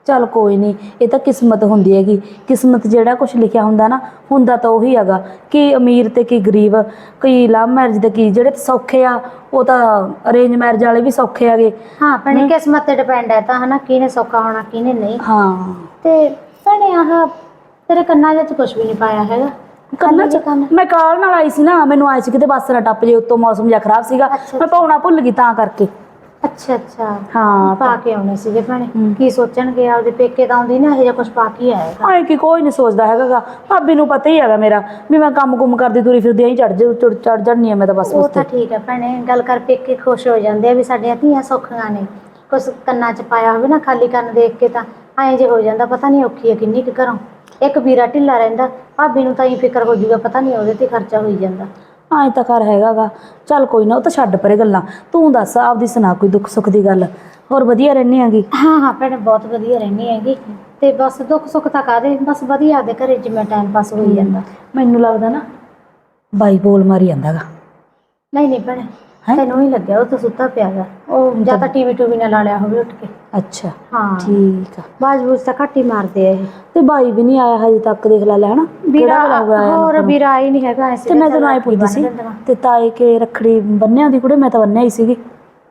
Speaker 3: ਚੱਲ ਕੋਈ ਨਹੀਂ, ਇਹ ਤਾਂ ਕਿਸਮਤ ਹੁੰਦੀ ਹੈਗੀ। ਕਿਸਮਤ ਜਿਹੜਾ ਕੁਝ ਲਿਖਿਆ ਹੁੰਦਾ ਨਾ, ਹੁੰਦਾ ਤਾਂ ਉਹੀ ਹੈਗਾ। ਕੀ ਅਮੀਰ ਤੇ ਕੀ ਗਰੀਬ, ਕੀ ਲਵ ਮੈਰਿਜ ਤੇ ਕੀ ਜਿਹੜੇ ਸੌਖੇ ਆ ਉਹ ਤਾਂ ਅਰੇਂਜ ਮੈਰਿਜ ਵਾਲੇ ਵੀ ਸੌਖੇ ਹੈਗੇ।
Speaker 1: ਹਾਂ ਭੈਣੇ ਕਿਸਮਤ ਤੇ ਡਿਪੈਂਡ ਹੈ ਤਾਂ ਹਨਾ, ਕਿਹਨੇ ਸੌਖਾ ਹੋਣਾ ਕਿਹਨੇ ਨਹੀਂ।
Speaker 3: ਹਾਂ
Speaker 1: ਤੇ ਭੈਣੇ ਆਹ ਤੇਰੇ ਕੰਨਾਂ ਵਿੱਚ ਕੁਝ ਵੀ ਨਹੀਂ ਪਾਇਆ ਹੈਗਾ।
Speaker 3: ਕੰਨਾਂ ਚ ਮੈਂ ਕਾਲ ਨਾਲ ਆਈ ਸੀ ਨਾ, ਮੈਨੂੰ ਆਏ ਸੀ ਕਿਤੇ ਬੱਸ ਨਾ ਟੱਪ ਜੇ, ਉੱਤੋਂ ਮੌਸਮ ਜਿਹਾ ਖਰਾਬ ਸੀਗਾ, ਮੈਂ ਪਾਉਣਾ ਭੁੱਲ ਗਈ ਤਾਂ ਕਰਕੇ।
Speaker 1: ਅੱਛਾ ਅੱਛਾ
Speaker 3: ਹਾਂ
Speaker 1: ਪਾ ਕੇ ਆਉਣੇ ਸੀਗੇ ਭੈਣੇ। ਕੀ ਸੋਚਣਗੇ ਆਪਦੇ ਪੇਕੇ ਤਾਂ ਆਉਂਦੀ ਨਾ, ਇਹੋ ਜਿਹਾ ਕੁਝ ਪਾ ਕੇ ਆਏਗਾ।
Speaker 3: ਆਏ ਕਿ ਕੋਈ ਨਹੀਂ ਸੋਚਦਾ ਹੈਗਾ। ਭਾਬੀ ਨੂੰ ਪਤਾ ਹੀ ਹੈਗਾ ਮੇਰਾ ਵੀ ਮੈਂ ਕੰਮ ਕੁਮ ਕਰਦੀ ਤੁਰੀ ਫਿਰਦੀ ਐਂ ਚੜ ਚੜ ਚੜ ਜਾਣੀ ਆ ਮੈਂ ਤਾਂ ਬਸ।
Speaker 1: ਉਹ ਤਾਂ ਠੀਕ ਹੈ ਭੈਣੇ, ਗੱਲ ਕਰ ਪੇਕੇ ਖੁਸ਼ ਹੋ ਜਾਂਦੇ ਆ ਵੀ ਸਾਡੀਆਂ ਧੀਆਂ ਸੌਖੀਆਂ ਨੇ। ਕੁਛ ਕੰਨਾਂ 'ਚ ਪਾਇਆ ਹੋਵੇ ਨਾ ਖਾਲੀ ਕੰਨ ਦੇਖ ਕੇ ਤਾਂ ਐਂ ਜੇ ਹੋ ਜਾਂਦਾ, ਪਤਾ ਨਹੀਂ ਔਖੀ ਹੈ ਕਿੰਨੀ ਕੁ ਘਰੋਂ। ਇੱਕ ਵੀਰਾ ਢਿੱਲਾ ਰਹਿੰਦਾ, ਭਾਬੀ ਨੂੰ ਤਾਂ ਹੀ ਫਿਕਰ ਹੋ ਜੂਗਾ, ਪਤਾ ਨਹੀਂ ਉਹਦੇ ਤੇ ਖਰਚਾ ਹੋਈ ਜਾਂਦਾ।
Speaker 3: ਐਂ ਤਾਂ ਘਰ ਹੈਗਾ ਗਾ। ਚੱਲ ਕੋਈ ਨਾ, ਉਹ ਤਾਂ ਛੱਡ ਪਰੇ ਗੱਲਾਂ। ਤੂੰ ਦੱਸ ਆਪਦੀ ਸੁਣਾ ਕੋਈ ਦੁੱਖ ਸੁੱਖ ਦੀ ਗੱਲ। ਹੋਰ ਵਧੀਆ ਰਹਿੰਦੀ ਹੈਗੀ?
Speaker 1: ਹਾਂ ਹਾਂ ਭੈਣੇ ਬਹੁਤ ਵਧੀਆ ਰਹਿੰਦੀ ਹੈਗੀ। ਤੇ ਬਸ ਦੁੱਖ ਸੁੱਖ ਤਾਂ ਕਾਹਦੇ, ਬਸ ਵਧੀਆ ਆਪਦੇ ਘਰੇ ਜਿਵੇਂ ਟਾਈਮ ਪਾਸ ਹੋਈ ਜਾਂਦਾ।
Speaker 3: ਮੈਨੂੰ ਲੱਗਦਾ ਨਾ ਬਾਈ ਬੋਲ ਮਾਰੀ ਜਾਂਦਾ ਗਾ।
Speaker 1: ਨਹੀਂ ਨਹੀਂ ਭੈਣੇ ਤੈਨੂੰ ਹੀ ਲੱਗਿਆ, ਉਹ ਤਾਂ ਸੁੱਤਾ ਪਿਆ ਗਾ। ਉਹ ਜਾਂ ਤਾਂ ਟੀਵੀ ਟੂਵੀ ਨਾਲ ਲਾ ਲਿਆ ਹੋਵੇ ਉੱਠ ਕੇ।
Speaker 3: ਅੱਛਾ
Speaker 1: ਹਾਂ
Speaker 3: ਠੀਕ ਆ।
Speaker 1: ਬਾਜ ਬੂਜ ਤਾਂ ਘੱਟ ਹੀ ਮਾਰਦੇ ਆ ਇਹ।
Speaker 3: ਤੇ ਬਾਈ ਵੀ ਨਹੀਂ ਆਇਆ ਹਜੇ ਤੱਕ, ਦੇਖ ਲੈ ਲੈ ਹਨਾ।
Speaker 1: ਵੀਰਾ ਹੋਰ ਵੀਰਾ ਆਈ ਨਹੀਂ ਹੈਗਾ।
Speaker 3: ਤੇ ਮੈਂ ਤੈਨੂੰ ਆਏ ਪੁੱਛਦੀ ਸੀ ਤੇ ਤਾਏ ਕੇ ਰੱਖੜੀ ਬੰਨਿਆ ਦੀ ਕੁੜੇ? ਮੈਂ ਤਾਂ ਬੰਨਿਆ ਹੀ ਸੀਗੀ।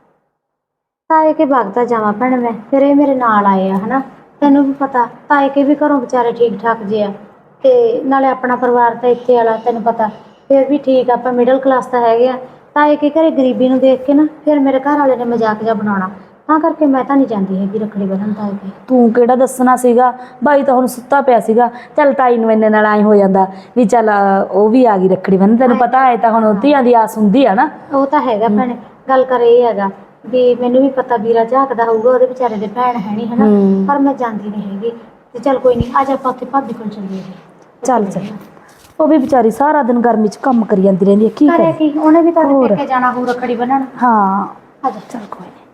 Speaker 1: ਤਾਏ ਕੇ ਵਗਦਾ ਜਾਵਾਂ ਭੈਣੇ ਮੈਂ, ਫਿਰ ਇਹ ਮੇਰੇ ਨਾਲ ਆਏ ਆ ਹਨਾ। ਤੈਨੂੰ ਵੀ ਪਤਾ ਤਾਏ ਕੇ ਵੀ ਘਰੋਂ ਵਿਚਾਰੇ ਠੀਕ ਠਾਕ ਜੇ ਆ, ਤੇ ਨਾਲੇ ਆਪਣਾ ਪਰਿਵਾਰ ਤਾਂ ਇੱਥੇ ਵਾਲਾ ਤੈਨੂੰ ਪਤਾ ਫਿਰ ਵੀ ਠੀਕ ਆ, ਆਪਾਂ ਮਿਡਲ ਕਲਾਸ ਤਾਂ ਹੈਗੇ ਆ। ਤਾਏ ਕੇ ਘਰੇ ਗਰੀਬੀ ਨੂੰ ਦੇਖ ਕੇ ਨਾ ਫਿਰ ਮੇਰੇ ਘਰ ਵਾਲੇ ਨੇ ਮਜ਼ਾਕ ਜਿਹਾ ਬਣਾਉਣਾ, ਤਾਂ ਕਰਕੇ ਮੈਂ ਤਾਂ ਨਹੀਂ ਜਾਂਦੀ ਹੈਗੀ ਰੱਖੜੀ ਬੰਨ੍ਹਣ ਤਾਏ ਕੇ।
Speaker 3: ਤੂੰ ਕਿਹੜਾ ਦੱਸਣਾ ਸੀਗਾ, ਬਾਈ ਤਾਂ ਹੁਣ ਸੁੱਤਾ ਪਿਆ ਸੀਗਾ। ਚੱਲ ਤਾਈ ਨੂੰ ਇੰਨੇ ਨਾਲ ਐਂ ਹੋ ਜਾਂਦਾ ਵੀ ਚੱਲ ਉਹ ਵੀ ਆ ਗਈ ਰੱਖੜੀ ਬੰਨ੍ਹਣ। ਤੈਨੂੰ ਪਤਾ ਹੈ ਤਾਂ ਹੁਣ ਧੀਆਂ ਦੀ ਆਸ ਹੁੰਦੀ ਆ ਨਾ।
Speaker 1: ਉਹ ਤਾਂ ਹੈਗਾ ਭੈਣੇ, ਗੱਲ ਕਰ ਇਹ ਹੈਗਾ ਵੀ ਮੈਨੂੰ ਵੀ ਪਤਾ ਵੀਰਾ ਝਾਕਦਾ ਹੋਊਗਾ, ਉਹਦੇ ਵਿਚਾਰੇ ਦੇ ਭੈਣ ਹੈ ਨਹੀਂ ਹਨਾ, ਪਰ ਮੈਂ ਜਾਂਦੀ ਨਹੀਂ ਹੈਗੀ। ਤੇ ਚੱਲ ਕੋਈ ਨਹੀਂ, ਅੱਜ ਆਪਾਂ ਉੱਥੇ ਭਾਬੀ ਕੋਲ ਚੱਲੀਏ।
Speaker 3: ਚੱਲ ਚੱਲ, ਉਹ ਵੀ ਵਿਚਾਰੀ ਸਾਰਾ ਦਿਨ ਗਰਮੀ 'ਚ ਕੰਮ ਕਰੀ ਜਾਂਦੀ ਰਹਿੰਦੀ ਹੈ, ਕੀ
Speaker 1: ਕਰੇ
Speaker 3: ਕਰੇ।
Speaker 1: ਕੀ, ਉਹਨੇ ਵੀ ਤਾਂ ਪੇਕੇ ਜਾਣਾ ਹੋਊ ਰੱਖੜੀ ਬੰਨ੍ਹਣ।
Speaker 3: ਹਾਂ
Speaker 1: ਆ ਜਾ
Speaker 3: ਚੱਲ ਕੋਈ ਨਹੀਂ।